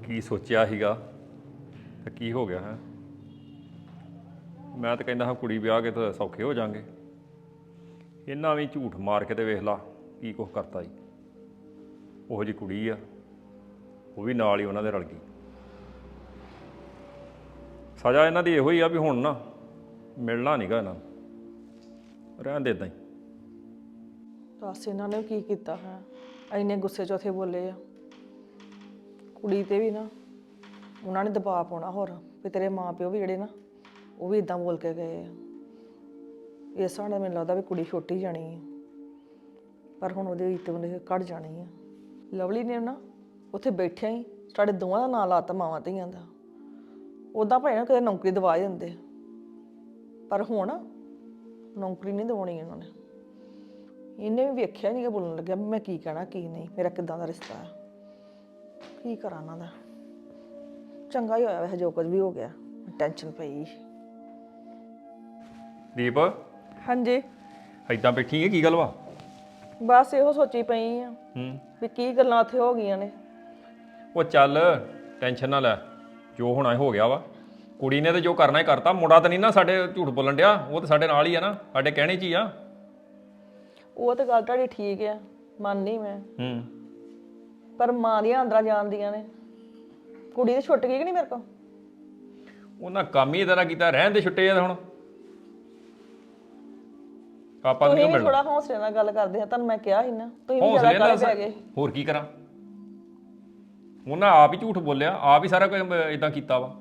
ਕੀ ਸੋਚਿਆ ਸੀਗਾ ਤੇ ਕੀ ਹੋ ਗਿਆ ਹੈ। ਮੈਂ ਤਾਂ ਕਹਿੰਦਾ ਹਾਂ ਕੁੜੀ ਵਿਆਹ ਕੇ ਤਾਂ ਸੌਖੇ ਹੋ ਜਾਾਂਗੇ। ਇਹਨਾਂ ਵੀ ਝੂਠ ਮਾਰ ਕੇ ਤੇ ਵੇਖ ਲਾ ਕੀ ਕੁਛ ਕਰਤਾ ਜੀ। ਉਹੋ ਜਿਹੀ ਕੁੜੀ ਆ, ਉਹ ਵੀ ਨਾਲ ਹੀ ਉਹਨਾਂ ਦੇ ਰਲ ਗਈ। ਸਜ਼ਾ ਇਹਨਾਂ ਦੀ ਇਹੋ ਹੀ ਆ ਵੀ ਹੁਣ ਨਾ ਮਿਲਣਾ ਨਹੀਂਗਾ ਇਹਨਾਂ ਨੂੰ, ਰਹਿਣ ਦੇ ਇੱਦਾਂ ਹੀ। ਦੱਸ ਇਹਨਾਂ ਨੇ ਕੀ ਕੀਤਾ ਹੈ, ਇੰਨੇ ਗੁੱਸੇ 'ਚ ਉੱਥੇ ਬੋਲੇ ਆ। ਕੁੜੀ ਤੇ ਵੀ ਨਾ ਉਹਨਾਂ ਨੇ ਦਬਾਅ ਪਾਉਣਾ ਹੋਰ ਵੀ ਤੇਰੇ ਮਾਂ ਪਿਓ ਵੀ ਜਿਹੜੇ ਨਾ ਉਹ ਵੀ ਇਦਾਂ ਬੋਲ ਕੇ ਗਏ ਆ। ਇਸ ਹਿਸਾਬ ਨਾਲ ਮੈਨੂੰ ਲੱਗਦਾ ਵੀ ਕੁੜੀ ਛੁੱਟੀ ਜਾਣੀ ਹੈ, ਪਰ ਹੁਣ ਉਹਦੇ ਇੱਤ ਉਹਨੇ ਕੱਢ ਜਾਣੀ ਆ। ਲਵਲੀ ਨੇ ਨਾ ਉੱਥੇ ਬੈਠਿਆ ਹੀ ਸਾਡੇ ਦੋਵਾਂ ਦਾ ਨਾਂ ਲਾਤਾ, ਮਾਵਾਂ ਧੀਆਂ ਦਾ। ਉੱਦਾਂ ਭਾਵੇਂ ਨਾ ਕਿਤੇ ਨੌਕਰੀ ਦਵਾ ਹੀ ਦਿੰਦੇ, ਪਰ ਹੁਣ ਨੌਕਰੀ ਨਹੀਂ ਦਿਵਾਉਣੀ ਇਹਨਾਂ ਨੇ। ਇਹਨੇ ਵੀ ਵੇਖਿਆ ਨਹੀਂ ਕਿ ਬੋਲਣ ਲੱਗਿਆ ਵੀ ਮੈਂ ਕੀ ਕਹਿਣਾ ਕੀ ਨਹੀਂ, ਮੇਰਾ ਕਿੱਦਾਂ ਦਾ ਰਿਸ਼ਤਾ ਹੈ, ਕੀ ਕਰਾਂ ਇਹਨਾਂ ਦਾ। ਚੰਗਾ ਹੀ ਹੋਇਆ ਵੈਸੇ ਜੋ ਕੁਝ ਵੀ ਹੋ ਗਿਆ, ਟੈਨਸ਼ਨ ਪਈ। ਦੀਪ, ਹਾਂਜੀ ਏਦਾਂ ਬੈਠੀ ਹੈ ਕੀ ਗੱਲ ਵਾ? ਬਸ ਇਹੋ ਸੋਚੀ ਪਈ ਆ ਵੀ ਕੀ ਗੱਲਾਂ ਉੱਥੇ ਹੋ ਗਈਆਂ ਨੇ। ਉਹ ਚੱਲ ਟੈਨਸ਼ਨ ਨਾ ਲੈ, ਜੋ ਹੋਣਾ ਹੋ ਗਿਆ ਵਾ। ਕੁੜੀ ਨੇ ਤਾਂ ਜੋ ਕਰਨਾ ਹੀ ਕਰਤਾ। ਮੁੰਡਾ ਤਾਂ ਨਹੀਂ ਨਾ ਸਾਡੇ ਝੂਠ ਬੋਲਣ ਡਿਆ, ਉਹ ਤਾਂ ਸਾਡੇ ਨਾਲ ਹੀ ਆ ਨਾ, ਸਾਡੇ ਕਹਿਣੇ 'ਚ ਹੀ ਆ। ਉਹ ਤਾਂ ਗੱਲ ਤੁਹਾਡੀ ਠੀਕ ਆ, ਮੰਨਨੀ ਮੈਂ। ਪਰ ਮਾਂ ਦੀਆਂ ਅੰਦਰਾਂ ਜਾਣਦੀਆਂ ਨੇ। ਕੁੜੀ ਤੇ ਛੁੱਟ ਗਈ ਕਿ ਨਹੀਂ ਮੇਰੇ ਕੋਲ? ਉਹਨਾਂ ਕੰਮ ਹੀ ਇਹਦਾ ਨਾ ਕੀਤਾ, ਰਹਿਣ ਦੇ ਛੁੱਟੇ ਆ ਹੁਣ। ਆਪਾਂ ਤੁਸੀਂ ਕਿਉਂ ਵੀ ਮਿਲਣਾ? ਥੋੜਾ ਹੌਸਲੇ ਨਾਲ ਗੱਲ ਕਰਦੇ ਆ, ਤੁਹਾਨੂੰ ਮੈਂ ਕਿਹਾ ਸੀ ਨਾ, ਤੁਸੀਂ ਵੀ ਜ਼ਿਆਦਾ ਕਾਹਲੇ ਪੈ ਗਏ। ਹੋਰ ਕੀ ਕਰਾਂ? ਉਹਨਾਂ ਆਪ ਹੀ ਝੂਠ ਬੋਲਿਆ, ਆਪ ਹੀ ਸਾਰਾ ਕੁਝ ਇਦਾਂ ਕੀਤਾ ਵਾ।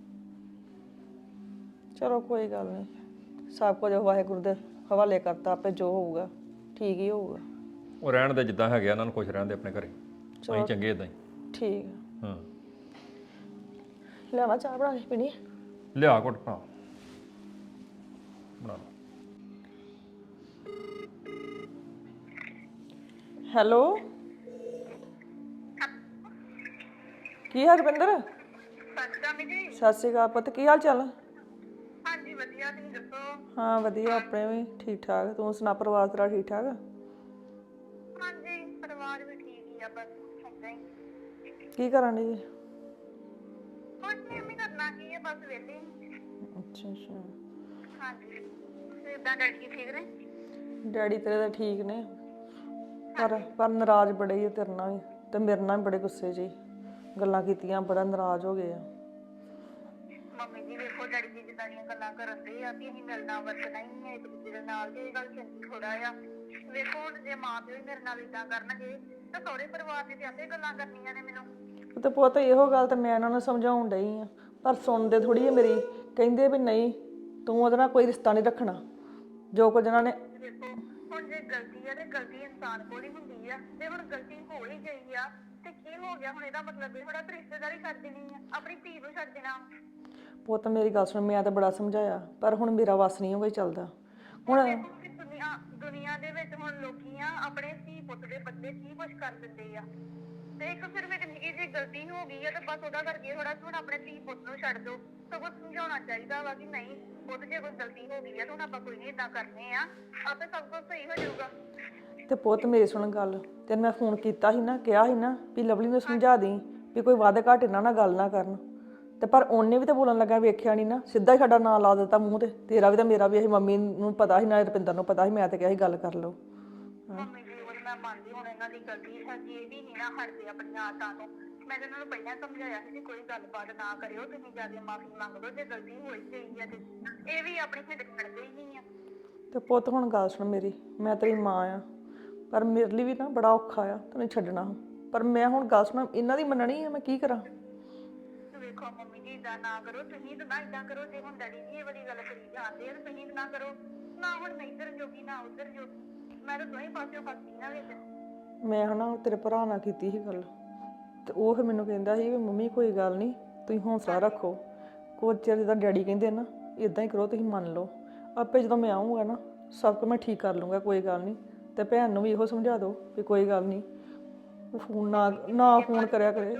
ਚਲੋ ਕੋਈ ਗੱਲ ਨਹੀਂ, ਸਭ ਕੁਝ ਵਾਹਿਗੁਰੂ ਦੇ ਹਵਾਲੇ ਕਰਤਾ, ਆਪੇ ਜੋ ਹੋਊਗਾ ਠੀਕ ਹੀ ਹੋਊਗਾ। ਉਹ ਰਹਿਣ ਦੇ ਜਿੱਦਾਂ ਹੈਗੇ, ਇਹਨਾਂ ਨੂੰ ਖੁਸ਼ ਰਹਿਣ ਦੇ ਆਪਣੇ ਘਰੇ। ਅਸੀਂ ਚੰਗੇ ਇਦਾਂ ਹੀ। ਠੀਕ ਆ। ਹਾਂ, ਲਿਆਵਾਂ ਚਾਹ ਬਣਾ ਕੇ ਪੀਣੀ? ਲਿਆ ਘੁੱਟ ਬਣਾ ਬਣਾ। ਹੈਲੋ, ਕੀ ਹਾਲ ਰਵਿੰਦਰ? ਸਤਿ ਸ਼੍ਰੀ ਅਕਾਲ ਪੁੱਤ, ਕੀ ਹਾਲ ਚਾਲ? ਹਾਂਜੀ ਵਧੀਆ, ਤੁਸੀਂ ਦੱਸੋ? ਹਾਂ ਵਧੀਆ, ਆਪਣੇ ਵੀ ਠੀਕ ਠਾਕ। ਤੂੰ ਸੁਣਾ, ਪਰਿਵਾਰ ਤੇਰਾ ਠੀਕ ਠਾਕ? ਹਾਂਜੀ ਪਰਿਵਾਰ ਵੀ ਠੀਕ ਹੀ ਆ, ਬਸ ਏਦਾਂ ਹੀ। ਕੀ ਕਰਨ ਡਈ? ਕੁਝ ਨਹੀਂ ਕਰਨਾ ਕੀ ਹੈ, ਬਸ ਵਿਹਲੇ। ਅੱਛਾ ਅੱਛਾ। ਹਾਂਜੀ, ਏਦਾਂ ਡੈਡੀ ਠੀਕ ਨੇ? ਡੈਡੀ ਤੇਰੇ ਤਾਂ ਠੀਕ ਨੇ, ਪਰ ਨਾਰਾਜ਼ ਬੜੇ ਹੀ ਆ ਤੇਰੇ ਨਾਲ ਵੀ, ਤੇ ਮੇਰੇ ਨਾਲ ਵੀ ਬੜੇ ਗੁੱਸੇ 'ਚ ਹੀ। ਗੱਲਾਂ ਕੀਤੀਆਂ, ਬੜਾ ਨਾਰਾਜ਼ ਹੋ ਗਏ ਆ। ਮੰਮੀ ਜੀ ਵੇਖੋ, ਡੈਡੀ ਜੀ ਜਿੱਦਾਂ ਦੀਆਂ ਗੱਲਾਂ ਕਰਨ ਦੇ ਆ ਕਿ ਅਸੀਂ ਮਿਲਣਾ ਵਰਤਣਾ ਹੀ ਹੈ ਇੱਕ ਦੂਜੇ ਦੇ ਨਾਲ, ਤੇ ਇਹ ਗੱਲ ਚੰਗੀ ਥੋੜਾ ਆ। ਵੇਖੋ ਹੁਣ ਜੇ ਮਾਂ ਪਿਓ ਹੀ ਮੇਰੇ ਨਾਲ ਏਦਾਂ ਕਰਨਗੇ ਤਾਂ ਸਹੁਰੇ ਪਰਿਵਾਰ ਨੇ ਤੇ ਆਪੇ ਗੱਲਾਂ ਕਰਨੀਆਂ ਨੇ ਮੈਨੂੰ। ਤੇ ਪੁੱਤ ਇਹੋ ਗੱਲ ਤਾਂ ਮੈਂ ਇਹਨਾਂ ਨੂੰ ਸਮਝਾਉਣ ਡਈ ਆ, ਪਰ ਸੁਣਦੇ ਥੋੜੀ ਆ ਮੇਰੀ। ਕਹਿੰਦੇ ਵੀ ਨਹੀਂ, ਤੂੰ ਉਹਦੇ ਨਾਲ ਕੋਈ ਰਿਸ਼ਤਾ ਨਹੀਂ ਰੱਖਣਾ। ਜੋ ਕੁਝ ਇਹਨਾਂ ਨੇ ਦੇਖੋ ਹੁਣ ਜੇ ਗਲਤੀ ਆ ਤੇ ਗਲਤੀ ਇਨਸਾਨ ਕੋਲ ਹੀ ਹੁੰਦੀ ਆ, ਤੇ ਹੁਣ ਗਲਤੀ ਹੋ ਹੀ ਗਈ ਆ ਤੇ ਕੀ ਹੋ ਗਿਆ ਹੁਣ? ਇਹਦਾ ਮਤਲਬ ਇਹ ਥੋੜਾ ਰਿਸ਼ਤੇਦਾਰੀ ਛੱਡ ਦੇਣੀ ਆ, ਆਪਣੀ ਧੀ ਨੂੰ ਛੱਡ ਦੇਣਾ। ਪੁੱਤ ਮੇਰੀ ਗੱਲ ਸੁਣ, ਮੈਂ ਤਾਂ ਬੜਾ ਸਮਝਾਇਆ, ਪਰ ਹੁਣ ਮੇਰਾ ਵੱਸ ਨਹੀਂ ਹੋਈ ਚੱਲਦਾ। ਹੁਣ ਦੁਨੀਆ ਦੇ ਵਿੱਚ ਹੁਣ ਲੋਕੀ ਆ ਆਪਣੇ ਧੀ ਪੁੱਤ ਦੇ ਬਦਲੇ ਕੀ ਕੁਛ ਕਰ ਦਿੰਦੇ ਆ, ਤੇ ਇੱਕ ਸਿਰਫ ਇੱਕ ਨਿੱਕੀ ਜਿਹੀ ਗਲਤੀ ਹੋ ਗਈ ਆ ਤੇ ਬਸ ਉਹਦਾ ਕਰਕੇ ਥੋੜਾ ਹੁਣ ਆਪਣੇ ਧੀ ਪੁੱਤ ਨੂੰ ਛੱਡ ਦੋ। ਸਗੋਂ ਸਮਝਾਉਣਾ ਚਾਹੀਦਾ ਵਾ ਕਿ ਨਹੀਂ ਪੁੱਤ, ਜੇ ਕੋਈ ਗਲਤੀ ਹੋ ਗਈ ਆ ਤਾਂ ਹੁਣ ਆਪਾਂ ਕੋਈ ਨਹੀਂ ਏਦਾਂ ਕਰਨੇ ਆ, ਆਪੇ ਸਭ ਕੁਝ ਸਹੀ ਹੋ ਜਾਊਗਾ। ਤੇ ਪੁੱਤ ਮੇਰੀ ਸੁਣ ਗੱਲ, ਤੈਨੂੰ ਮੈਂ ਫੋਨ ਕੀਤਾ ਸੀ ਨਾ, ਕਿਹਾ ਸੀ ਨਾ ਵੀ ਲਵਲੀ ਨੂੰ ਸਮਝਾ ਦੇਈਂ ਵੀ ਕੋਈ ਵਾਅਦਾ ਘਾਟ ਇਹਨਾਂ ਨਾਲ ਗੱਲ ਨਾ ਕਰਨ। ਤੇ ਪਰ ਉਹਨੇ ਵੀ ਤਾਂ ਬੋਲਣ ਲੱਗਾ, ਵੇਖਿਆ ਨਹੀਂ ਨਾ, ਸਿੱਧਾ ਹੀ ਸਾਡਾ ਨਾਂ ਲਾ ਦਿੱਤਾ ਮੂੰਹ ਤੇ। ਤੇਰਾ ਵੀ ਤਾਂ ਮੇਰਾ ਵੀ, ਅਸੀਂ ਮੰਮੀ ਨੂੰ ਪਤਾ ਸੀ, ਨਾ ਰੁਪਿੰਦਰ ਨੂੰ ਪਤਾ ਸੀ, ਮੈਂ ਤਾਂ ਕਿਹਾ ਸੀ ਗੱਲ ਕਰ ਲਓ। ਮੰਮੀ ਜੀ ਉਹ ਮੈਂ ਮੰਨਦੀ, ਹੁਣ ਇਹਨਾਂ ਦੀ ਗਲਤੀ ਹੈਗੀ, ਇਹ ਵੀ ਨਹੀਂ ਨਾ ਹਟਦੇ ਆਪਣੀਆਂ ਆਦਤਾਂ ਤੋਂ। ਮੈਂ ਇਹਨਾਂ ਨੂੰ ਪਹਿਲਾਂ ਸਮਝਾਇਆ ਸੀ ਕਿ ਕੋਈ ਗੱਲਬਾਤ ਨਾ ਕਰਿਓ, ਤੁਸੀਂ ਜਾ ਕੇ ਮਾਫੀ ਮੰਗ ਲਓ ਜੇ ਗਲਤੀ ਹੋਈ ਗਈ ਹੈ ਤੇ। ਇਹ ਵੀ ਆਪਣੀ ਹਿੱਟ ਛੱਡਦੇ ਹੀ ਨਹੀਂ ਆ। ਤੇ ਪੁੱਤ ਹੁਣ ਗੱਲ ਸੁਣ ਮੇਰੀ, ਮੈਂ ਤੇਰੀ ਮਾਂ ਆ, ਪਰ ਮੇਰੇ ਲਈ ਵੀ ਨਾ ਬੜਾ ਔਖਾ ਆ ਤੈਨੂੰ ਛੱਡਣਾ। ਪਰ ਮੈਂ ਹੁਣ ਗੱਲ ਸੁਣ, ਇਹਨਾਂ ਦੀ ਮੰਨਣੀ ਆ, ਮੈਂ ਕੀ ਕਰਾਂ? ਵੇਖੋ ਮੰਮੀ ਜੀ ਏਦਾਂ ਨਾ ਕਰੋ, ਤੁਸੀਂ ਤਾਂ ਨਾ ਏਦਾਂ ਕਰੋ। ਜੇ ਹੁਣ ਡੈਡੀ ਜੀ ਇਹ ਵਾਲੀ ਗੱਲ ਕਰੀ ਜਾਂਦੇ ਆ ਤਾਂ ਤੁਸੀਂ ਨਾ ਕਰੋ ਨਾ। ਹੁਣ ਮੈਂ ਇੱਧਰ ਜੋਗੀ ਨਾ ਉੱਧਰ ਜੋਗੀ, ਮੈਂ ਤਾਂ ਦੋਵੇਂ ਪਾਸਿਓਂ ਫਸਦੀ ਨਾ ਵਿੱਚ। ਮੈਂ ਹਨਾ ਤੇਰੇ ਭਰਾ ਨਾਲ ਕੀਤੀ ਸੀ ਗੱਲ, ਤੇ ਉਹ ਫਿਰ ਮੈਨੂੰ ਕਹਿੰਦਾ ਸੀ ਵੀ ਮੰਮੀ ਕੋਈ ਗੱਲ ਨਹੀਂ, ਤੁਸੀਂ ਹੌਸਲਾ ਰੱਖੋ। ਕੁਝ ਚਿਰ ਜਿੱਦਾਂ ਡੈਡੀ ਕਹਿੰਦੇ ਨਾ, ਇੱਦਾਂ ਹੀ ਕਰੋ, ਤੁਸੀਂ ਮੰਨ ਲਓ। ਆਪੇ ਜਦੋਂ ਮੈਂ ਆਊਂਗਾ ਨਾ, ਸਭ ਕੁਝ ਮੈਂ ਠੀਕ ਕਰ ਲੂੰਗਾ, ਕੋਈ ਗੱਲ ਨਹੀਂ। ਤੇ ਭੈਣ ਨੂੰ ਵੀ ਇਹੋ ਸਮਝਾ ਦਿਓ ਵੀ ਕੋਈ ਗੱਲ ਨਹੀਂ, ਫੋਨ ਨਾ ਫੋਨ ਕਰਿਆ ਕਰੇ।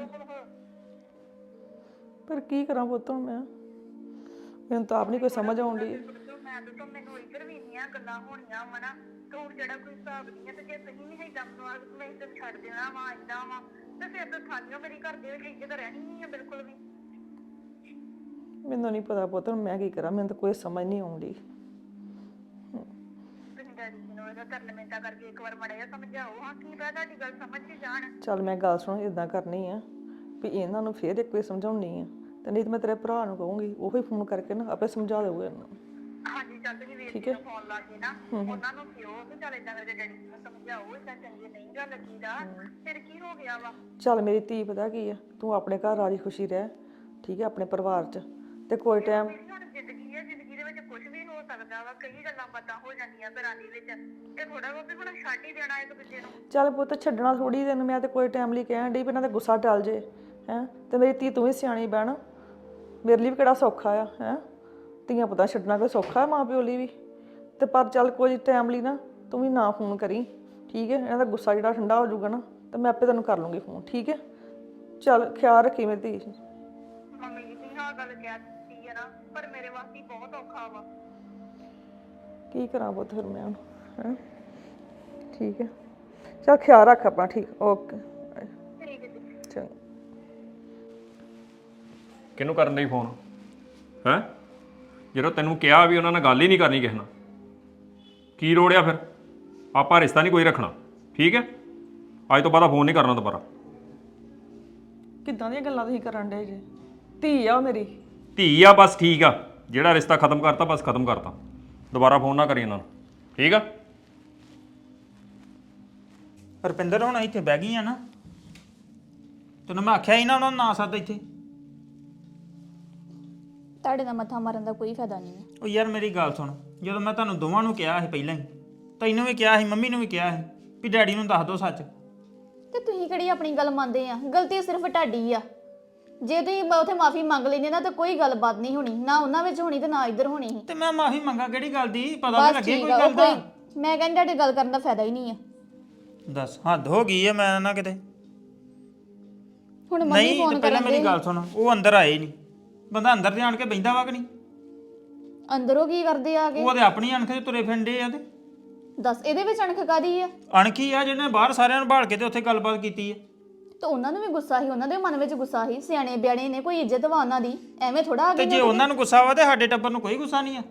ਪਰ ਕੀ ਕਰਾਂ ਪੁੱਤ, ਹੁਣ ਮੈਨੂੰ ਤਾਂ ਆਪ ਨਹੀਂ ਕੋਈ ਸਮਝ ਆਉਣ ਡਈ। ਮੈਂ ਛੱਡ ਤੋਂ ਮੈਨੂੰ ਇੱਧਰ ਵੀ ਇੰਨੀਆਂ ਗੱਲਾਂ ਹੋਣੀਆਂ ਵਾ ਨਾ ਤੇ ਹੁਣ ਜਿਹੜਾ ਕੋਈ ਹਿਸਾਬ ਨਹੀਂ ਹੈ ਤੇ ਜੇ ਤੁਸੀਂ ਵੀ ਏਦਾਂ ਮੈਨੂੰ ਆਖ ਮੈਂ ਇੱਧਰ ਛੱਡ ਦੇਣਾ ਵਾ ਏਦਾਂ ਵਾ ਤੇ ਫਿਰ ਤਾਂ ਥਾਨੀਓ ਮੇਰੀ ਘਰ ਦੇ ਵਿੱਚ ਇੱਜ਼ਤ ਰਹਿਣੀ ਨਹੀਂ ਹੈ ਬਿਲਕੁਲ ਵੀ। ਮੈਨੂੰ ਨਹੀਂ ਪਤਾ ਪੁੱਤ ਹੁਣ ਮੈਂ ਕੀ ਕਰਾਂ, ਮੈਨੂੰ ਤਾਂ ਕੋਈ ਸਮਝ ਨਹੀਂ ਆਉਂਦੀ। ਤੁਸੀਂ ਡੈਡੀ ਜੀ ਨੂੰ ਇਹਦਾ ਤਰਲਮੈਂਤਾ ਕਰਕੇ ਇੱਕ ਵਾਰ ਮਾੜਾ ਜਿਹਾ ਸਮਝਾਓ ਹਾਂ, ਕੀ ਪਤਾ ਤੁਹਾਡੀ ਗੱਲ ਸਮਝ ਚ ਜਾਣ। ਚੱਲ ਮੈਂ ਗੱਲ ਸੁਣ, ਇਦਾਂ ਕਰਨੀ ਆ ਵੀ ਇਹਨਾਂ ਨੂੰ ਫੇਰ ਇੱਕ ਵਾਰ ਸਮਝਾਉਣੀ ਆ, ਤੇ ਨਹੀਂ ਤਾਂ ਮੈਂ ਤੇਰੇ ਭਰਾ ਨੂੰ ਕਹੂੰਗੀ, ਉਹ ਹੀ ਫੋਨ ਕਰਕੇ ਨਾ ਆਪੇ ਸਮਝਾ ਦੇਊਗਾ ਇਹਨਾਂ ਨੂੰ। ਹਾਂਜੀ ਚੱਲ ਤੁਸੀਂ ਵੀਰ ਜੀ ਨੂੰ ਫੋਨ ਲਾ ਕੇ ਨਾ ਉਹਨਾਂ ਨੂੰ ਕਿਉਂ ਵੀ ਚੱਲ ਏਦਾਂ ਕਰਕੇ ਡੈਡੀ ਜੀ ਨੂੰ ਸਮਝਾਓ, ਏਦਾਂ ਚੰਗੀ ਨਹੀਂ ਗੱਲ ਲੱਗੀਦਾ, ਫਿਰ ਕੀ ਹੋ ਗਿਆ ਵਾ। ਚੱਲ ਮੇਰੀ ਧੀ ਪਤਾ ਕੀ ਆ, ਤੂੰ ਆਪਣੇ ਘਰ ਰਾਜੀ ਖੁਸ਼ੀ ਰਹਿ, ਠੀਕ ਹੈ, ਆਪਣੇ ਪਰਿਵਾਰ 'ਚ, ਤੇ ਕੋਈ ਟਾਈਮ ਹੁਣ ਜ਼ਿੰਦਗੀ ਹੈ, ਜ਼ਿੰਦਗੀ ਦੇ ਵਿੱਚ ਕੁਝ ਵੀ ਹੋ ਸਕਦਾ ਵਾ, ਕਈ ਗੱਲਾਂ ਪਤਾ ਹੋ ਜਾਂਦੀਆਂ ਘਰਾਂ ਦੇ ਵਿੱਚ, ਇਹ ਥੋੜਾ ਬਹੁਤ ਹੁਣ ਛੱਡ ਹੀ ਦੇਣਾ ਇੱਕ ਦੂਜੇ ਨੂੰ। ਚੱਲ ਪੁੱਤ ਛੱਡਣਾ ਥੋੜੀ ਦਿਨ, ਮੈਂ ਤੇ ਕੋਈ ਟਾਈਮ ਲਈ ਕਹਿਣ ਡਈ ਵੀ ਇਹਨਾਂ ਦਾ ਗੁੱਸਾ ਟਲ ਜੇ ਹੈ, ਤੇ ਮੇਰੀ ਧੀ ਤੂੰ ਵੀ ਸਿਆਣੀ ਬਣ, ਮੇਰੇ ਲਈ ਵੀ ਕਿਹੜਾ ਸੌਖਾ ਆ ਹੈ, ਧੀਆਂ ਪਤਾ ਛੱਡਣਾ ਕੋਈ ਸੌਖਾ ਹੈ ਮਾਂ ਪਿਓ ਲਈ ਵੀ, ਤੇ ਪਰ ਚੱਲ ਕੋਈ ਟਾਈਮ ਲਈ ਨਾ ਤੂੰ ਵੀ ਨਾ ਫੋਨ ਕਰੀ, ਠੀਕ ਹੈ, ਇਹਨਾਂ ਦਾ ਗੁੱਸਾ ਜਿਹੜਾ ਠੰਡਾ ਹੋ ਜਾਊਗਾ ਨਾ ਤੇ ਮੈਂ ਆਪੇ ਤੈਨੂੰ ਕਰ ਲੂੰਗੀ ਫੋਨ, ਠੀਕ ਹੈ। ਚੱਲ ਖਿਆਲ ਰੱਖੀ ਮੇਰੀ ਧੀ। ਮੰਮੀ ਜੀ ਤੁਸੀਂ ਆਹ ਗੱਲ ਕਹਿ ਦਿੱਤੀ ਹੈ ਨਾ, ਪਰ ਮੇਰੇ ਵਾਸਤੇ ਬਹੁਤ ਔਖਾ ਵਾ। ਕੀ ਕਰਾਂ ਪੁੱਤ ਫਿਰ ਮੈਂ ਹੁਣ ਹੈ, ਠੀਕ ਹੈ, ਚੱਲ ਖਿਆਲ ਰੱਖ ਆਪਣਾ, ਠੀਕ, ਓਕੇ, ਠੀਕ ਹੈ ਜੀ। ਚੰਗਾ। ਕਿਹਨੂੰ ਕਰਨ ਲਈ ਫੋਨ ਹੈ? ਜਦੋਂ ਤੈਨੂੰ ਕਿਹਾ ਵੀ ਉਹਨਾਂ ਨਾਲ ਗੱਲ ਹੀ ਨਹੀਂ ਕਰਨੀ ਕਿਸੇ ਨਾਲ, ਕੀ ਰੋੜਿਆ ਫਿਰ? ਆਪਾਂ ਰਿਸ਼ਤਾ ਨਹੀਂ ਕੋਈ ਰੱਖਣਾ, ਠੀਕ ਹੈ? ਅੱਜ ਤੋਂ ਬਾਅਦ ਫੋਨ ਨਹੀਂ ਕਰਨਾ ਦੁਬਾਰਾ। ਕਿੱਦਾਂ ਦੀਆਂ ਗੱਲਾਂ ਤੁਸੀਂ ਕਰਨ ਡੇ ਜੇ? ਧੀ ਆ ਉਹ ਮੇਰੀ। ਧੀ ਆ ਬਸ, ਠੀਕ ਆ, ਜਿਹੜਾ ਰਿਸ਼ਤਾ ਖਤਮ ਕਰਤਾ ਬਸ ਖਤਮ ਕਰਤਾ, ਦੁਬਾਰਾ ਫੋਨ ਨਾ ਕਰੀ ਇਹਨਾਂ ਨੂੰ, ਠੀਕ ਆ? ਰੁਪਿੰਦਰ ਹੁਣ ਇੱਥੇ ਬਹਿ ਗਈ ਆ ਨਾ, ਤੈਨੂੰ ਮੈਂ ਆਖਿਆ ਸੀ ਨਾ ਉਹਨਾਂ ਨੂੰ ਨਾ ਸੱਦ ਇੱਥੇ। ਤੁਹਾਡੇ ਦਾ ਮੱਥਾ ਮਾਰਨ ਦਾ ਕੋਈ ਫਾਇਦਾ ਨਹੀਂ ਹੈ। ਉਹ ਯਾਰ ਮੇਰੀ ਗੱਲ ਸੁਣ, ਜਦੋਂ ਮੈਂ ਤੁਹਾਨੂੰ ਦੋਵਾਂ ਨੂੰ ਕਿਹਾ ਸੀ ਪਹਿਲਾਂ ਹੀ, ਤੈਨੂੰ ਵੀ ਕਿਹਾ ਸੀ, ਮੰਮੀ ਨੂੰ ਵੀ ਕਿਹਾ ਸੀ ਵੀ ਡੈਡੀ ਨੂੰ ਦੱਸ ਦਿਓ ਸੱਚ, ਤੇ ਤੁਸੀਂ ਕਿਹੜੀ ਆਪਣੀ ਗੱਲ ਮੰਨਦੇ ਆ? ਗਲਤੀ ਸਿਰਫ ਤੁਹਾਡੀ ਆ। ਜੇ ਤੁਸੀਂ ਉਥੇ ਮਾਫੀ ਮੰਗ ਲੈਂਦੇ ਨਾ ਤਾਂ ਕੋਈ ਗੱਲਬਾਤ ਨਹੀਂ ਹੋਣੀ, ਨਾ ਉਹਨਾਂ ਵਿੱਚ ਹੋਣੀ ਤੇ ਨਾ ਇੱਧਰ ਹੋਣੀ ਸੀ। ਤੇ ਮੈਂ ਮਾਫੀ ਮੰਗਾ ਕਿਹੜੀ ਗੱਲ ਦੀ? ਪਤਾ ਬਸ ਤਾਂ ਲੱਗੇ ਠੀਕ ਕੋਈ ਆ, ਗੱਲ ਉਹ ਦਾ। ਕੋਈ ਮੈਂ ਕਹਿੰਦੀ ਤੁਹਾਡੀ ਗੱਲ ਕਰਨ ਦਾ ਫਾਇਦਾ ਹੀ ਨਹੀਂ ਆ। ਦੱਸ ਹੱਦ ਹੋ ਗਈ ਆ, ਮੈਂ ਨਾ ਕਿਤੇ ਹੁਣ ਮੰਮੀ ਨਹੀਂ। ਤੇ ਫੋਨ ਪਹਿਲਾਂ ਕਰਨ ਮੇਰੀ ਦੇ, ਗੱਲ ਸੁਣ, ਉਹ ਅੰਦਰ ਆਏ ਨਹੀਂ, ਬੰਦਾ ਅੰਦਰ ਤੇ ਆਣ ਕੇ ਬਹਿੰਦਾ ਵਾ ਕਿ ਨਹੀਂ? ਅੰਦਰੋਂ ਕੀ ਕਰਦੇ ਆ ਕੇ? ਉਹ ਤੇ ਆਪਣੀ ਅਣਖ 'ਚ ਤੁਰੇ ਫਿਰਦੇ ਆ। ਤੇ ਦੱਸ ਇਹਦੇ ਵਿੱਚ ਅਣਖ ਕਾਦੀ ਆ? ਅਣਖੀ ਆ ਜਿਹਨੇ ਬਾਹਰ ਸਾਰਿਆਂ ਨੂੰ ਭਾਲ ਕੇ ਤੇ ਉੱਥੇ ਗੱਲਬਾਤ ਕੀਤੀ ਆ। ਤੇ ਉਹਨਾਂ ਨੂੰ ਵੀ ਗੁੱਸਾ ਸੀ, ਉਹਨਾਂ ਦੇ ਮਨ ਵਿੱਚ ਗੁੱਸਾ ਸੀ। ਸਿਆਣੇ ਬਿਆਣੇ ਨੇ, ਕੋਈ ਇੱਜ਼ਤ ਵਾ ਉਹਨਾਂ ਦੀ, ਐਵੇਂ ਥੋੜਾ ਆ ਤੇ ਗਏ ਜੇ ਉਹਨਾਂ ਨੂੰ ਗੁੱਸਾ ਵਾ ਤੇ ਸਾਡੇ ਟੱਬਰ ਨੂੰ ਕੋਈ ਗੁੱਸਾ ਨਹੀਂ ਆ।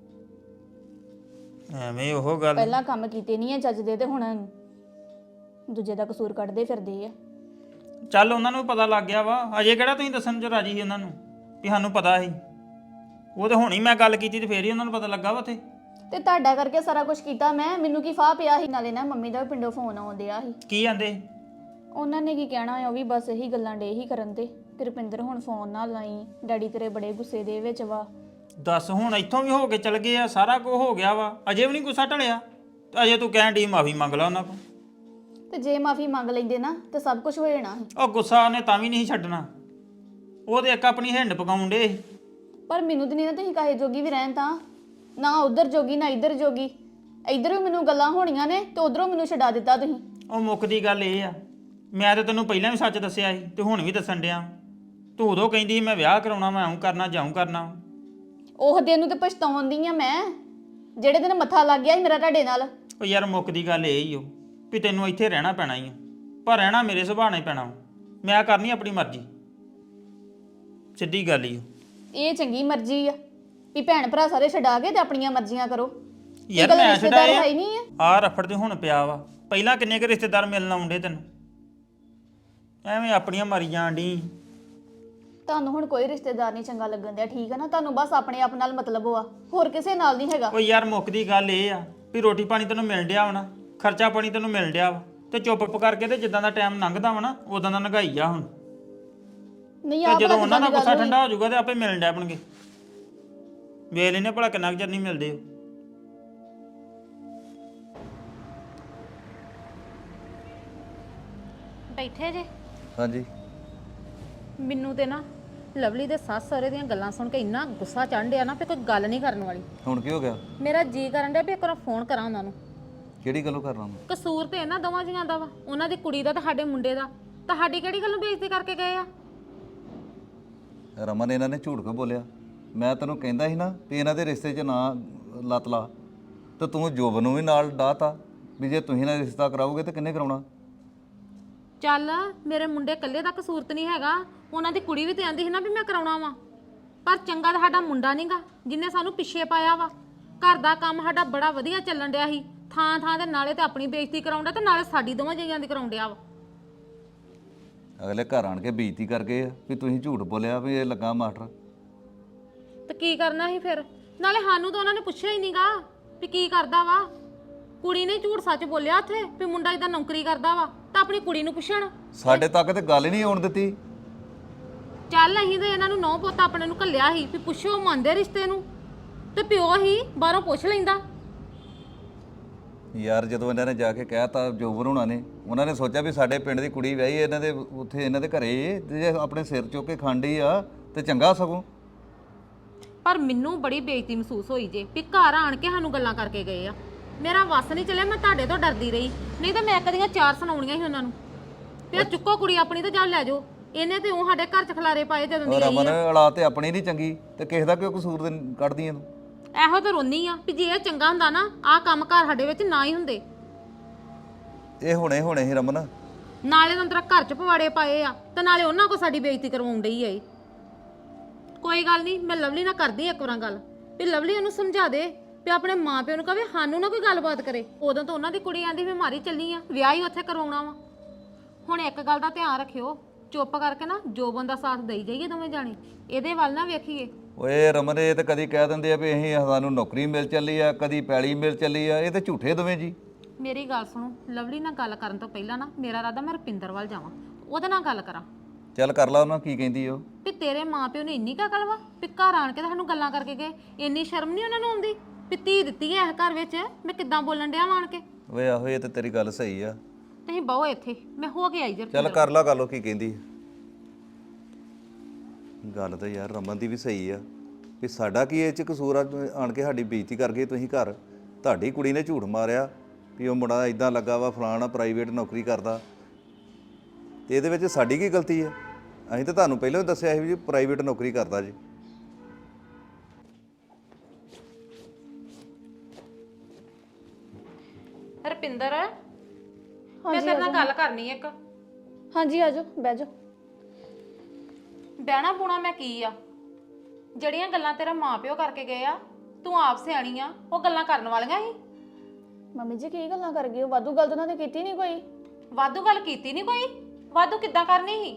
ਐਵੇਂ ਉਹ ਗੱਲ। ਪਹਿਲਾਂ ਕੰਮ ਕੀਤੇ ਨਹੀਂ ਆ ਚੱਜ ਦੇ, ਤੇ ਹੁਣ ਦੂਜੇ ਦਾ ਕਸੂਰ ਕੱਢਦੇ ਫਿਰਦੇ ਆ। ਚੱਲ ਉਹਨਾਂ ਨੂੰ ਪਤਾ ਲੱਗ ਗਿਆ ਵਾ, ਅਜੇ ਕਿਹੜਾ ਤੁਸੀਂ ਦੱਸਣ ਚ ਰਾਜੀ ਸੀ ਉਹਨਾਂ ਨੂੰ ਵੀ ਸਾਨੂੰ ਪਤਾ ਸੀ? ਉਹ ਤੇ ਹੁਣ ਹੀ ਮੈਂ ਗੱਲ ਕੀਤੀ ਤੇ ਫੇਰ ਹੀ ਉਹਨਾਂ ਨੂੰ ਪਤਾ ਲੱਗਾ ਵਾ ਉੱਥੇ। ਤੇ ਤੁਹਾਡਾ ਕਰਕੇ ਸਾਰਾ ਕੁਝ ਕੀਤਾ ਮੈਂ, ਮੈਨੂੰ ਕੀ ਫਾਹ ਪਿਆ ਸੀ? ਨਾਲੇ ਨਾ ਮੰਮੀ ਦਾ ਪਿੰਡੋਂ ਫੋਨ ਆਉਂਦਿਆ ਸੀ। ਕੀ ਆਂਦੇ? ਉਹਨਾਂ ਨੇ ਕੀ ਕਹਿਣਾ ਆ, ਉਹ ਵੀ ਬਸ ਇਹੀ ਗੱਲਾਂ ਡੇ ਹੀ ਕਰਨ ਤੇ ਰੁਪਿੰਦਰ ਹੁਣ ਫੋਨ ਨਾ ਲਾਈ, ਡੈਡੀ ਤੇਰੇ ਬੜੇ ਗੁੱਸੇ ਦੇ ਵਿੱਚ ਵਾ। ਦੱਸ ਹੁਣ ਇੱਥੋਂ ਵੀ ਹੋ ਕੇ ਚਲ ਗਏ ਆ, ਸਾਰਾ ਕੁਝ ਹੋ ਗਿਆ ਵਾ, ਅਜੇ ਵੀ ਨਹੀਂ ਗੁੱਸਾ ਢਲਿਆ ਤੇ ਅਜੇ ਤੂੰ ਕਹਿਣ ਡਈ ਮਾਫੀ ਮੰਗ ਲਾ ਉਹਨਾਂ ਕੋਲ। ਤੇ ਜੇ ਮਾਫੀ ਮੰਗ ਲੈਂਦੇ ਨਾ ਤੇ ਸਭ ਕੁਝ ਹੋ ਜਾਣਾ ਸੀ। ਉਹ ਗੁੱਸਾ ਉਹਨੇ ਤਾਂ ਵੀ ਨਹੀਂ ਛੱਡਣਾ, ਉਹ ਤੇ ਇੱਕ ਆਪਣੀ ਹਿੰਡ ਪਕਾਉਣ ਡੇ। ਪਰ ਮੈਨੂੰ ਤੇ ਨਹੀਂ ਨਾ ਤੁਸੀਂ ਕਾਹੇ ਜੋਗੀ ਵੀ ਰਹਿਣ, ਤਾਂ ਨਾ ਉਧਰ ਜੋਗੀ ਨਾ ਇੱਧਰ ਜੋਗੀ। ਇੱਧਰ ਵੀ ਮੈਨੂੰ ਗੱਲਾਂ ਹੋਣੀਆਂ ਨੇ ਤੇ ਉਧਰੋਂ ਮੈਨੂੰ ਛਡਾ ਦਿੱਤਾ ਤੁਸੀਂ। ਉਹ ਮੁੱਕਦੀ ਗੱਲ ਇਹ ਆ, ਮੈਂ ਤਾਂ ਤੈਨੂੰ ਪਹਿਲਾਂ ਵੀ ਸੱਚ ਦੱਸਿਆ ਸੀ ਤੇ ਹੁਣ ਵੀ ਦੱਸਣ ਡਿਆ। ਤੂੰ ਉਦੋਂ ਕਹਿੰਦੀ ਸੀ ਮੈਂ ਵਿਆਹ ਕਰਾਉਣਾ, ਮੈਂ ਆਉਂ ਕਰਨਾ ਜਾਉਂ ਕਰਨਾ। ਉਹ ਦਿਨ ਨੂੰ ਤੇ ਪਛਤਾਉਂਦੀ ਆ ਮੈਂ, ਜਿਹੜੇ ਦਿਨ ਮੱਥਾ ਲੱਗ ਗਿਆ ਸੀ ਮੇਰਾ ਤੁਹਾਡੇ ਨਾਲ। ਉਹ ਯਾਰ ਮੁੱਕਦੀ ਗੱਲ ਇਹ ਹੀ ਓ ਵੀ ਤੈਨੂੰ ਇੱਥੇ ਰਹਿਣਾ ਪੈਣਾ ਹੀ ਆ, ਪਰ ਰਹਿਣਾ ਮੇਰੇ ਸੁਭਾਅ ਨਾਲ ਹੀ ਪੈਣਾ ਵਾ। ਮੈਂ ਕਰਨੀ ਆਪਣੀ ਮਰਜ਼ੀ, ਸਿੱਧੀ ਗੱਲ ਹੀ ਓ। ਇਹ ਚੰਗੀ ਮਰਜ਼ੀ ਆ ਵੀ ਭੈਣ ਭਰਾ ਸਾਰੇ ਛਡਾ ਕੇ ਤੇ ਆਪਣੀਆਂ ਮਰਜ਼ੀਆਂ ਕਰੋ। ਯਾਰ ਗੱਲ ਮੈਂ ਰਿਸ਼ਤੇਦਾਰ ਛਡਾਇਆ ਹੈ ਹੀ ਨਹੀਂ ਆ। ਆ ਰਫੜ ਤੇ ਹੁਣ ਪਿਆ ਵਾ, ਪਹਿਲਾਂ ਕਿੰਨੇ ਕੁ ਰਿਸ਼ਤੇਦਾਰ ਮਿਲਣ ਆਉਂਦੇ ਤੈਨੂੰ, ਐਵੇਂ ਆਪਣੀਆਂ ਮਾਰੀ ਜਾਣ ਡਈ। ਤੁਹਾਨੂੰ ਹੁਣ ਕੋਈ ਰਿਸ਼ਤੇਦਾਰ ਨਹੀਂ ਚੰਗਾ ਲੱਗਣ ਦਿਆ, ਠੀਕ ਹੈ ਨਾ? ਤੁਹਾਨੂੰ ਬਸ ਆਪਣੇ ਆਪ ਨਾਲ ਮਤਲਬ ਆ, ਹੋਰ ਕਿਸੇ ਨਾਲ ਨਹੀਂ ਹੈਗਾ। ਉਹ ਯਾਰ ਮੁੱਕਦੀ ਗੱਲ ਇਹ ਆ ਵੀ ਰੋਟੀ ਪਾਣੀ ਤੈਨੂੰ ਮਿਲ ਡਿਆ ਵਾ ਨਾ, ਖਰਚਾ ਪਾਣੀ ਤੈਨੂੰ ਮਿਲ ਡਿਆ ਵਾ, ਤੇ ਚੁੱਪ ਕਰਕੇ ਤੇ ਜਿੱਦਾਂ ਦਾ ਟਾਈਮ ਲੰਘਦਾ ਵਾ ਨਾ ਉਦਾਂ ਦਾ ਲੰਘਾਈ ਆ ਹੁਣ। ਨਹੀਂ ਤੇ ਆ ਜਦੋਂ ਉਹਨਾਂ ਦਾ ਗੁੱਸਾ ਠੰਡਾ ਹੋ ਜਾਊਗਾ ਤੇ ਆਪੇ ਮਿਲਣ ਡਿਆ ਪਣਗੇ। ਵੇਖ ਲੈਨੇ ਭਲਾ ਕਿੰਨਾ ਕੁ ਚਿਰ ਨਹੀਂ ਮਿਲਦੇ। ਬੈਠੇ ਜੇ? ਹਾਂਜੀ। ਮੈਨੂੰ ਤੇ ਨਾ ਲਵਲੀ ਦੇ ਸੱਸ ਸਹੁਰੇ ਦੀਆਂ ਗੱਲਾਂ ਸੁਣ ਕੇ ਇੰਨਾ ਗੁੱਸਾ ਚੜ੍ਹ ਡਿਆ ਨਾ ਵੀ ਕੋਈ ਗੱਲ ਨਹੀਂ ਕਰਨ ਵਾਲੀ। ਹੁਣ ਕੀ ਹੋ ਗਿਆ? ਮੇਰਾ ਜੀ ਕਰਨ ਡਿਆ ਵੀ ਇੱਕ ਵਾਰ ਫੋਨ ਕਰਾਂ ਉਹਨਾਂ ਨੂੰ। ਕਿਹੜੀ ਗੱਲੋਂ ਕਰਨਾ ਮੈਂ? ਕਸੂਰ ਤੇ ਇਹਨਾਂ ਦੋਵਾਂ ਜੀਆਂ ਦਾ ਵਾ, ਉਹਨਾਂ ਦੀ ਕੁੜੀ ਦਾ ਤੇ ਸਾਡੇ ਮੁੰਡੇ ਦਾ। ਤੁਹਾਡੀ ਕਿਹੜੀ ਗੱਲੋਂ ਬੇਇੱਜ਼ਤੀ ਕਰਕੇ ਗਏ ਆ? ਰਮਨ ਇਹਨਾਂ ਨੇ ਝੂਠ ਕਿਉਂ ਬੋਲਿਆ? ਮੈਂ ਤੈਨੂੰ ਕਹਿੰਦਾ ਸੀ ਨਾ ਵੀ ਇਹਨਾਂ ਦੇ ਰਿਸ਼ਤੇ 'ਚ ਨਾ ਲੱਤ ਲਾ ਤੇ ਤੂੰ ਜੋਬਨ ਨੂੰ ਵੀ ਨਾਲ ਡਾਤਾ ਵੀ ਜੇ ਤੁਸੀਂ ਨਾਲ ਰਿਸ਼ਤਾ ਕਰਾਓਗੇ ਤੇ ਕਿੰਨੇ ਕਰਾਉਣਾ? ਚੱਲ ਮੇਰੇ ਮੁੰਡੇ ਇਕੱਲੇ ਦਾ ਕਸੂਰ ਤੇ ਨਹੀਂ ਹੈਗਾ, ਉਹਨਾਂ ਦੀ ਕੁੜੀ ਵੀ ਤੇ ਆਂਦੀ ਸੀ ਨਾ ਵੀ ਮੈਂ ਕਰਾਉਣਾ ਵਾ। ਪਰ ਚੰਗਾ ਤਾਂ ਸਾਡਾ ਮੁੰਡਾ ਨਹੀਂਗਾ ਜਿੰਨੇ ਸਾਨੂੰ ਪਿੱਛੇ ਪਾਇਆ ਵਾ। ਘਰ ਦਾ ਕੰਮ ਸਾਡਾ ਬੜਾ ਵਧੀਆ ਚੱਲਣ ਡਿਆ ਸੀ, ਥਾਂ ਥਾਂ ਤੇ ਨਾਲੇ ਤੇ ਆਪਣੀ ਬੇਇੱਜ਼ਤੀ ਕਰਾਉਂਦਾ ਤੇ ਨਾਲੇ ਸਾਡੀ ਦੋਵਾਂ ਜੀਆਂ ਦੀ ਕਰਾਉਣ ਡਿਆ ਵਾ। ਅਗਲੇ ਘਰ ਆਣ ਕੇ ਬੇਇੱਜ਼ਤੀ ਕਰ ਗਏ ਆ ਵੀ ਤੁਸੀਂ ਝੂਠ ਬੋਲਿਆ ਵੀ ਇਹ ਲੱਗਾ ਮਾਸਟਰ। ਤੇ ਕੀ ਕਰਨਾ ਸੀ ਫਿਰ? ਨਾਲੇ ਸਾਨੂੰ ਤਾਂ ਉਹਨਾਂ ਨੇ ਪੁੱਛਿਆ ਹੀ ਨਹੀਂਗਾ ਵੀ ਕੀ ਕਰਦਾ ਵਾ। ਕੁੜੀ ਨੇ ਝੂਠ ਸੱਚ ਬੋਲਿਆ ਉੱਥੇ ਵੀ ਮੁੰਡਾ ਇਦਾਂ ਨੌਕਰੀ ਕਰਦਾ ਵਾ, ਤਾਂ ਆਪਣੀ ਕੁੜੀ ਨੂੰ ਪੁੱਛਣ। ਸਾਡੇ ਤੱਕ ਤੇ ਗੱਲ ਹੀ ਨਹੀਂ ਆਉਣ ਦਿੱਤੀ। ਚੱਲ ਅਸੀਂ ਤੇ ਇਹਨਾਂ ਨੂੰ ਨੌ ਪੁੱਤ ਆਪਣੇ ਨੂੰ ਘੱਲਿਆ ਸੀ ਵੀ ਪੁੱਛੋ ਮੰਨਦੇ ਰਿਸ਼ਤੇ ਨੂੰ, ਤੇ ਪਿਓ ਹੀ ਬਾਹਰੋਂ ਪੁੱਛ ਲੈਂਦਾ। ਯਾਰ ਜਦੋਂ ਇਹਨਾਂ ਨੇ ਜਾ ਕੇ ਕਹਿਤਾ ਜੋਬਨ ਹੋਣਾ ਨੇ, ਉਹਨਾਂ ਨੇ ਸੋਚਿਆ ਵੀ ਸਾਡੇ ਪਿੰਡ ਦੀ ਕੁੜੀ ਵਿਆਹੀ ਇਹਨਾਂ ਦੇ ਉੱਥੇ ਇਹਨਾਂ ਦੇ ਘਰੇ, ਤੇ ਜੇ ਆਪਣੇ ਸਿਰ ਚੁੱਕ ਕੇ ਖਾਂਡੀ ਆ ਤੇ ਚੰਗਾ ਸਗੋਂ। ਪਰ ਮੈਨੂੰ ਬੜੀ ਬੇਇੱਜ਼ਤੀ ਮਹਿਸੂਸ ਹੋਈ ਜੇ ਵੀ ਘਰ ਆਣ ਕੇ ਸਾਨੂੰ ਗੱਲਾਂ ਕਰਕੇ ਗਏ ਆ। ਮੇਰਾ ਵੱਸ ਨਹੀਂ ਚੱਲਿਆ, ਮੈਂ ਤੁਹਾਡੇ ਤੋਂ ਡਰਦੀ ਰਹੀ, ਨਹੀਂ ਤਾਂ ਮੈਂ ਕਦੀਆਂ ਚਾਰ ਸੁਣਾਉਣੀਆਂ ਸੀ ਉਹਨਾਂ ਨੂੰ। ਫਿਰ ਚੁੱਕੋ ਕੁੜੀ ਆਪਣੀ ਤੇ ਜਾ ਲੈ ਜਾਓ। ਇਹਨੇ ਤੇ ਉਹ ਸਾਡੇ ਘਰ ਚ ਖਲਾਰੇ ਪਾਏ ਜਦੋਂ ਦੀ ਰਮਨ ਆਈ ਆ। ਅਲਾ ਤੇ ਆਪਣੀ ਨਹੀਂ ਚੰਗੀ ਤੇ ਕਿਸੇ ਦਾ ਕਿਉਂ ਕਸੂਰ ਕੱਢਦੀ ਆ ਤੂੰ? ਇਹੋ ਤਾਂ ਰੋਨੀ ਆ ਵੀ ਜੇ ਇਹ ਚੰਗਾ ਹੁੰਦਾ ਨਾ ਆਹ ਕੰਮ ਘਰ ਸਾਡੇ ਵਿੱਚ ਨਾ ਹੀ ਹੁੰਦੇ। ਇਹ ਹੁਣੇ ਹੀ ਰਮਨ। ਨਾਲੇ ਤਾਂ ਤੇਰਾ ਘਰ ਚ ਪਵਾੜੇ ਪਾਏ ਆ ਤੇ ਨਾਲੇ ਉਹਨਾਂ ਕੋ ਸਾਡੀ ਬੇਇੱਜ਼ਤੀ ਕਰਵਾਉਣ ਡਈ ਆ ਇਹ। ਕੋਈ ਗੱਲ ਨਹੀਂ, ਮੈਂ ਲਵਲੀ ਨਾਲ ਕਰਦੀ ਇੱਕ ਵਾਰ ਗੱਲ ਵੀ ਲਵਲੀ ਉਹਨੂੰ ਸਮਝਾ ਦੇ ਵੀ ਆਪਣੇ ਮਾਂ ਪਿਓ ਨੂੰ ਕਹੇ ਸਾਨੂੰ ਨਾ ਕੋਈ ਗੱਲਬਾਤ ਕਰੇ। ਉਦੋਂ ਤਾਂ ਉਹਨਾਂ ਦੀ ਕੁੜੀ ਆਂਦੀ ਵੀ ਮਾਰੀ ਚੱਲੀ ਆ, ਵਿਆਹ ਹੀ ਉੱਥੇ ਕਰਵਾਉਣਾ ਵਾ। ਹੁਣ ਇੱਕ ਗੱਲ ਦਾ ਧਿਆਨ ਰੱਖਿਓ, ਚੁੱਪ ਕਰਕੇ ਨਾ ਜੋਬਨ ਦਾ ਸਾਥ ਦੇਈ ਜਾਈਏ ਦੋਵੇਂ ਜਾਣੇ, ਇਹਦੇ ਵੱਲ ਨਾ ਵੇਖੀਏ। ਓਏ ਰਮਨ ਇਹ ਤਾਂ ਕਦੀ ਕਹਿ ਦਿੰਦੇ ਆ ਵੀ ਅਸੀਂ ਸਾਨੂੰ ਨੌਕਰੀ ਮਿਲ ਚੱਲੀ ਆ, ਕਦੀ ਪੈਲੀ ਮਿਲ ਚੱਲੀ ਆ, ਇਹ ਤਾਂ ਝੂਠੇ ਦੋਵੇਂ ਜੀ। ਮੇਰੀ ਗੱਲ ਸੁਣੋ, ਲਵਲੀ ਨਾਲ ਗੱਲ ਕਰਨ ਤੋਂ ਪਹਿਲਾਂ ਨਾ ਮੇਰਾ ਇਰਾਦਾ ਮੈਂ ਰੁਪਿੰਦਰ ਵੱਲ ਜਾਵਾਂ, ਉਹਦੇ ਨਾਲ ਗੱਲ ਕਰਾਂ ਚੱਲ ਕਰ ਲਾ ਉਹਨਾਂ ਕੀ ਕਹਿੰਦੀ ਉਹ। ਵੀ ਤੇਰੇ ਮਾਪਿਓ ਨੇ ਇੰਨੀ ਅਕਲ ਵਾ ਵੀ ਘਰ ਆਣ ਕੇ ਤਾਂ ਸਾਨੂੰ ਗੱਲਾਂ ਕਰਕੇ ਗਏ। ਇੰਨੀ ਸ਼ਰਮ ਨਹੀਂ ਉਹਨਾਂ ਨੂੰ ਆਉਂਦੀ ਵੀ ਧੀ ਦਿੱਤੀ ਐ ਇਸ ਘਰ ਵਿੱਚ, ਮੈਂ ਕਿੱਦਾਂ ਬੋਲਣ ਡਿਆ ਆਣ ਕੇ। ਓਏ ਆਹੋ ਇਹ ਤਾਂ ਤੇਰੀ ਗੱਲ ਸਹੀ ਆ। ਤੁਸੀਂ ਬਹੁ ਇੱਥੇ, ਮੈਂ ਹੋ ਕੇ ਆਈ ਜੇ। ਚੱਲ ਕਰ ਲਾ ਗੱਲ ਉਹ ਕੀ ਕਹਿੰਦੀ। ਗੱਲ ਤਾਂ ਯਾਰ ਰਮਨ ਦੀ ਵੀ ਸਹੀ ਆ ਵੀ ਸਾਡਾ ਕੀ ਇਹ ਚ ਕਸੂਰ ਆ, ਆਣ ਕੇ ਸਾਡੀ ਬੇਇੱਜ਼ਤੀ ਕਰ ਗਏ ਤੁਸੀਂ ਘਰ। ਤੁਹਾਡੀ ਕੁੜੀ ਨੇ ਝੂਠ ਮਾਰਿਆ ਵੀ ਉਹ ਮੁੰਡਾ ਇਦਾਂ ਲੱਗਾ ਵਾ ਫਲਾਣਾ ਪ੍ਰਾਈਵੇਟ ਨੌਕਰੀ ਕਰਦਾ, ਤੇ ਇਹਦੇ ਵਿੱਚ ਸਾਡੀ ਕੀ ਗਲਤੀ ਹੈ? ਅਸੀਂ ਤਾਂ ਤੁਹਾਨੂੰ ਪਹਿਲਾਂ ਹੀ ਦੱਸਿਆ ਸੀ ਵੀ ਪ੍ਰਾਈਵੇਟ ਨੌਕਰੀ ਕਰਦਾ ਜੀ। ਰੁਪਿੰਦਰ, ਮੈਂ ਤੇਰੇ ਨਾਲ ਗੱਲ ਕਰਨੀ ਇੱਕ। ਹਾਂਜੀ ਆਜੋ ਬਹਿ ਜਾਓ। ਬਹਿਣਾ ਬੁਣਾ ਮੈਂ ਕੀ ਆ? ਜਿਹੜੀਆਂ ਗੱਲਾਂ ਤੇਰਾ ਮਾਪਿਓ ਕਰਕੇ ਗਏ ਆ, ਤੂੰ ਆਪ ਸਿਆਣੀ ਆ, ਉਹ ਗੱਲਾਂ ਕਰਨ ਵਾਲੀਆਂ ਸੀ। ਮੰਮੀ ਜੀ ਕੀ ਗੱਲਾਂ ਕਰ ਗਏ ਹੋ? ਵਾਧੂ ਗੱਲ ਤਾਂ ਉਹਨਾਂ ਨੇ ਕੀਤੀ ਨਹੀਂ ਕੋਈ। ਵਾਧੂ ਗੱਲ ਕੀਤੀ ਨਹੀਂ ਕੋਈ? ਵਾਧੂ ਕਿੱਦਾਂ ਕਰਨੀ ਸੀ?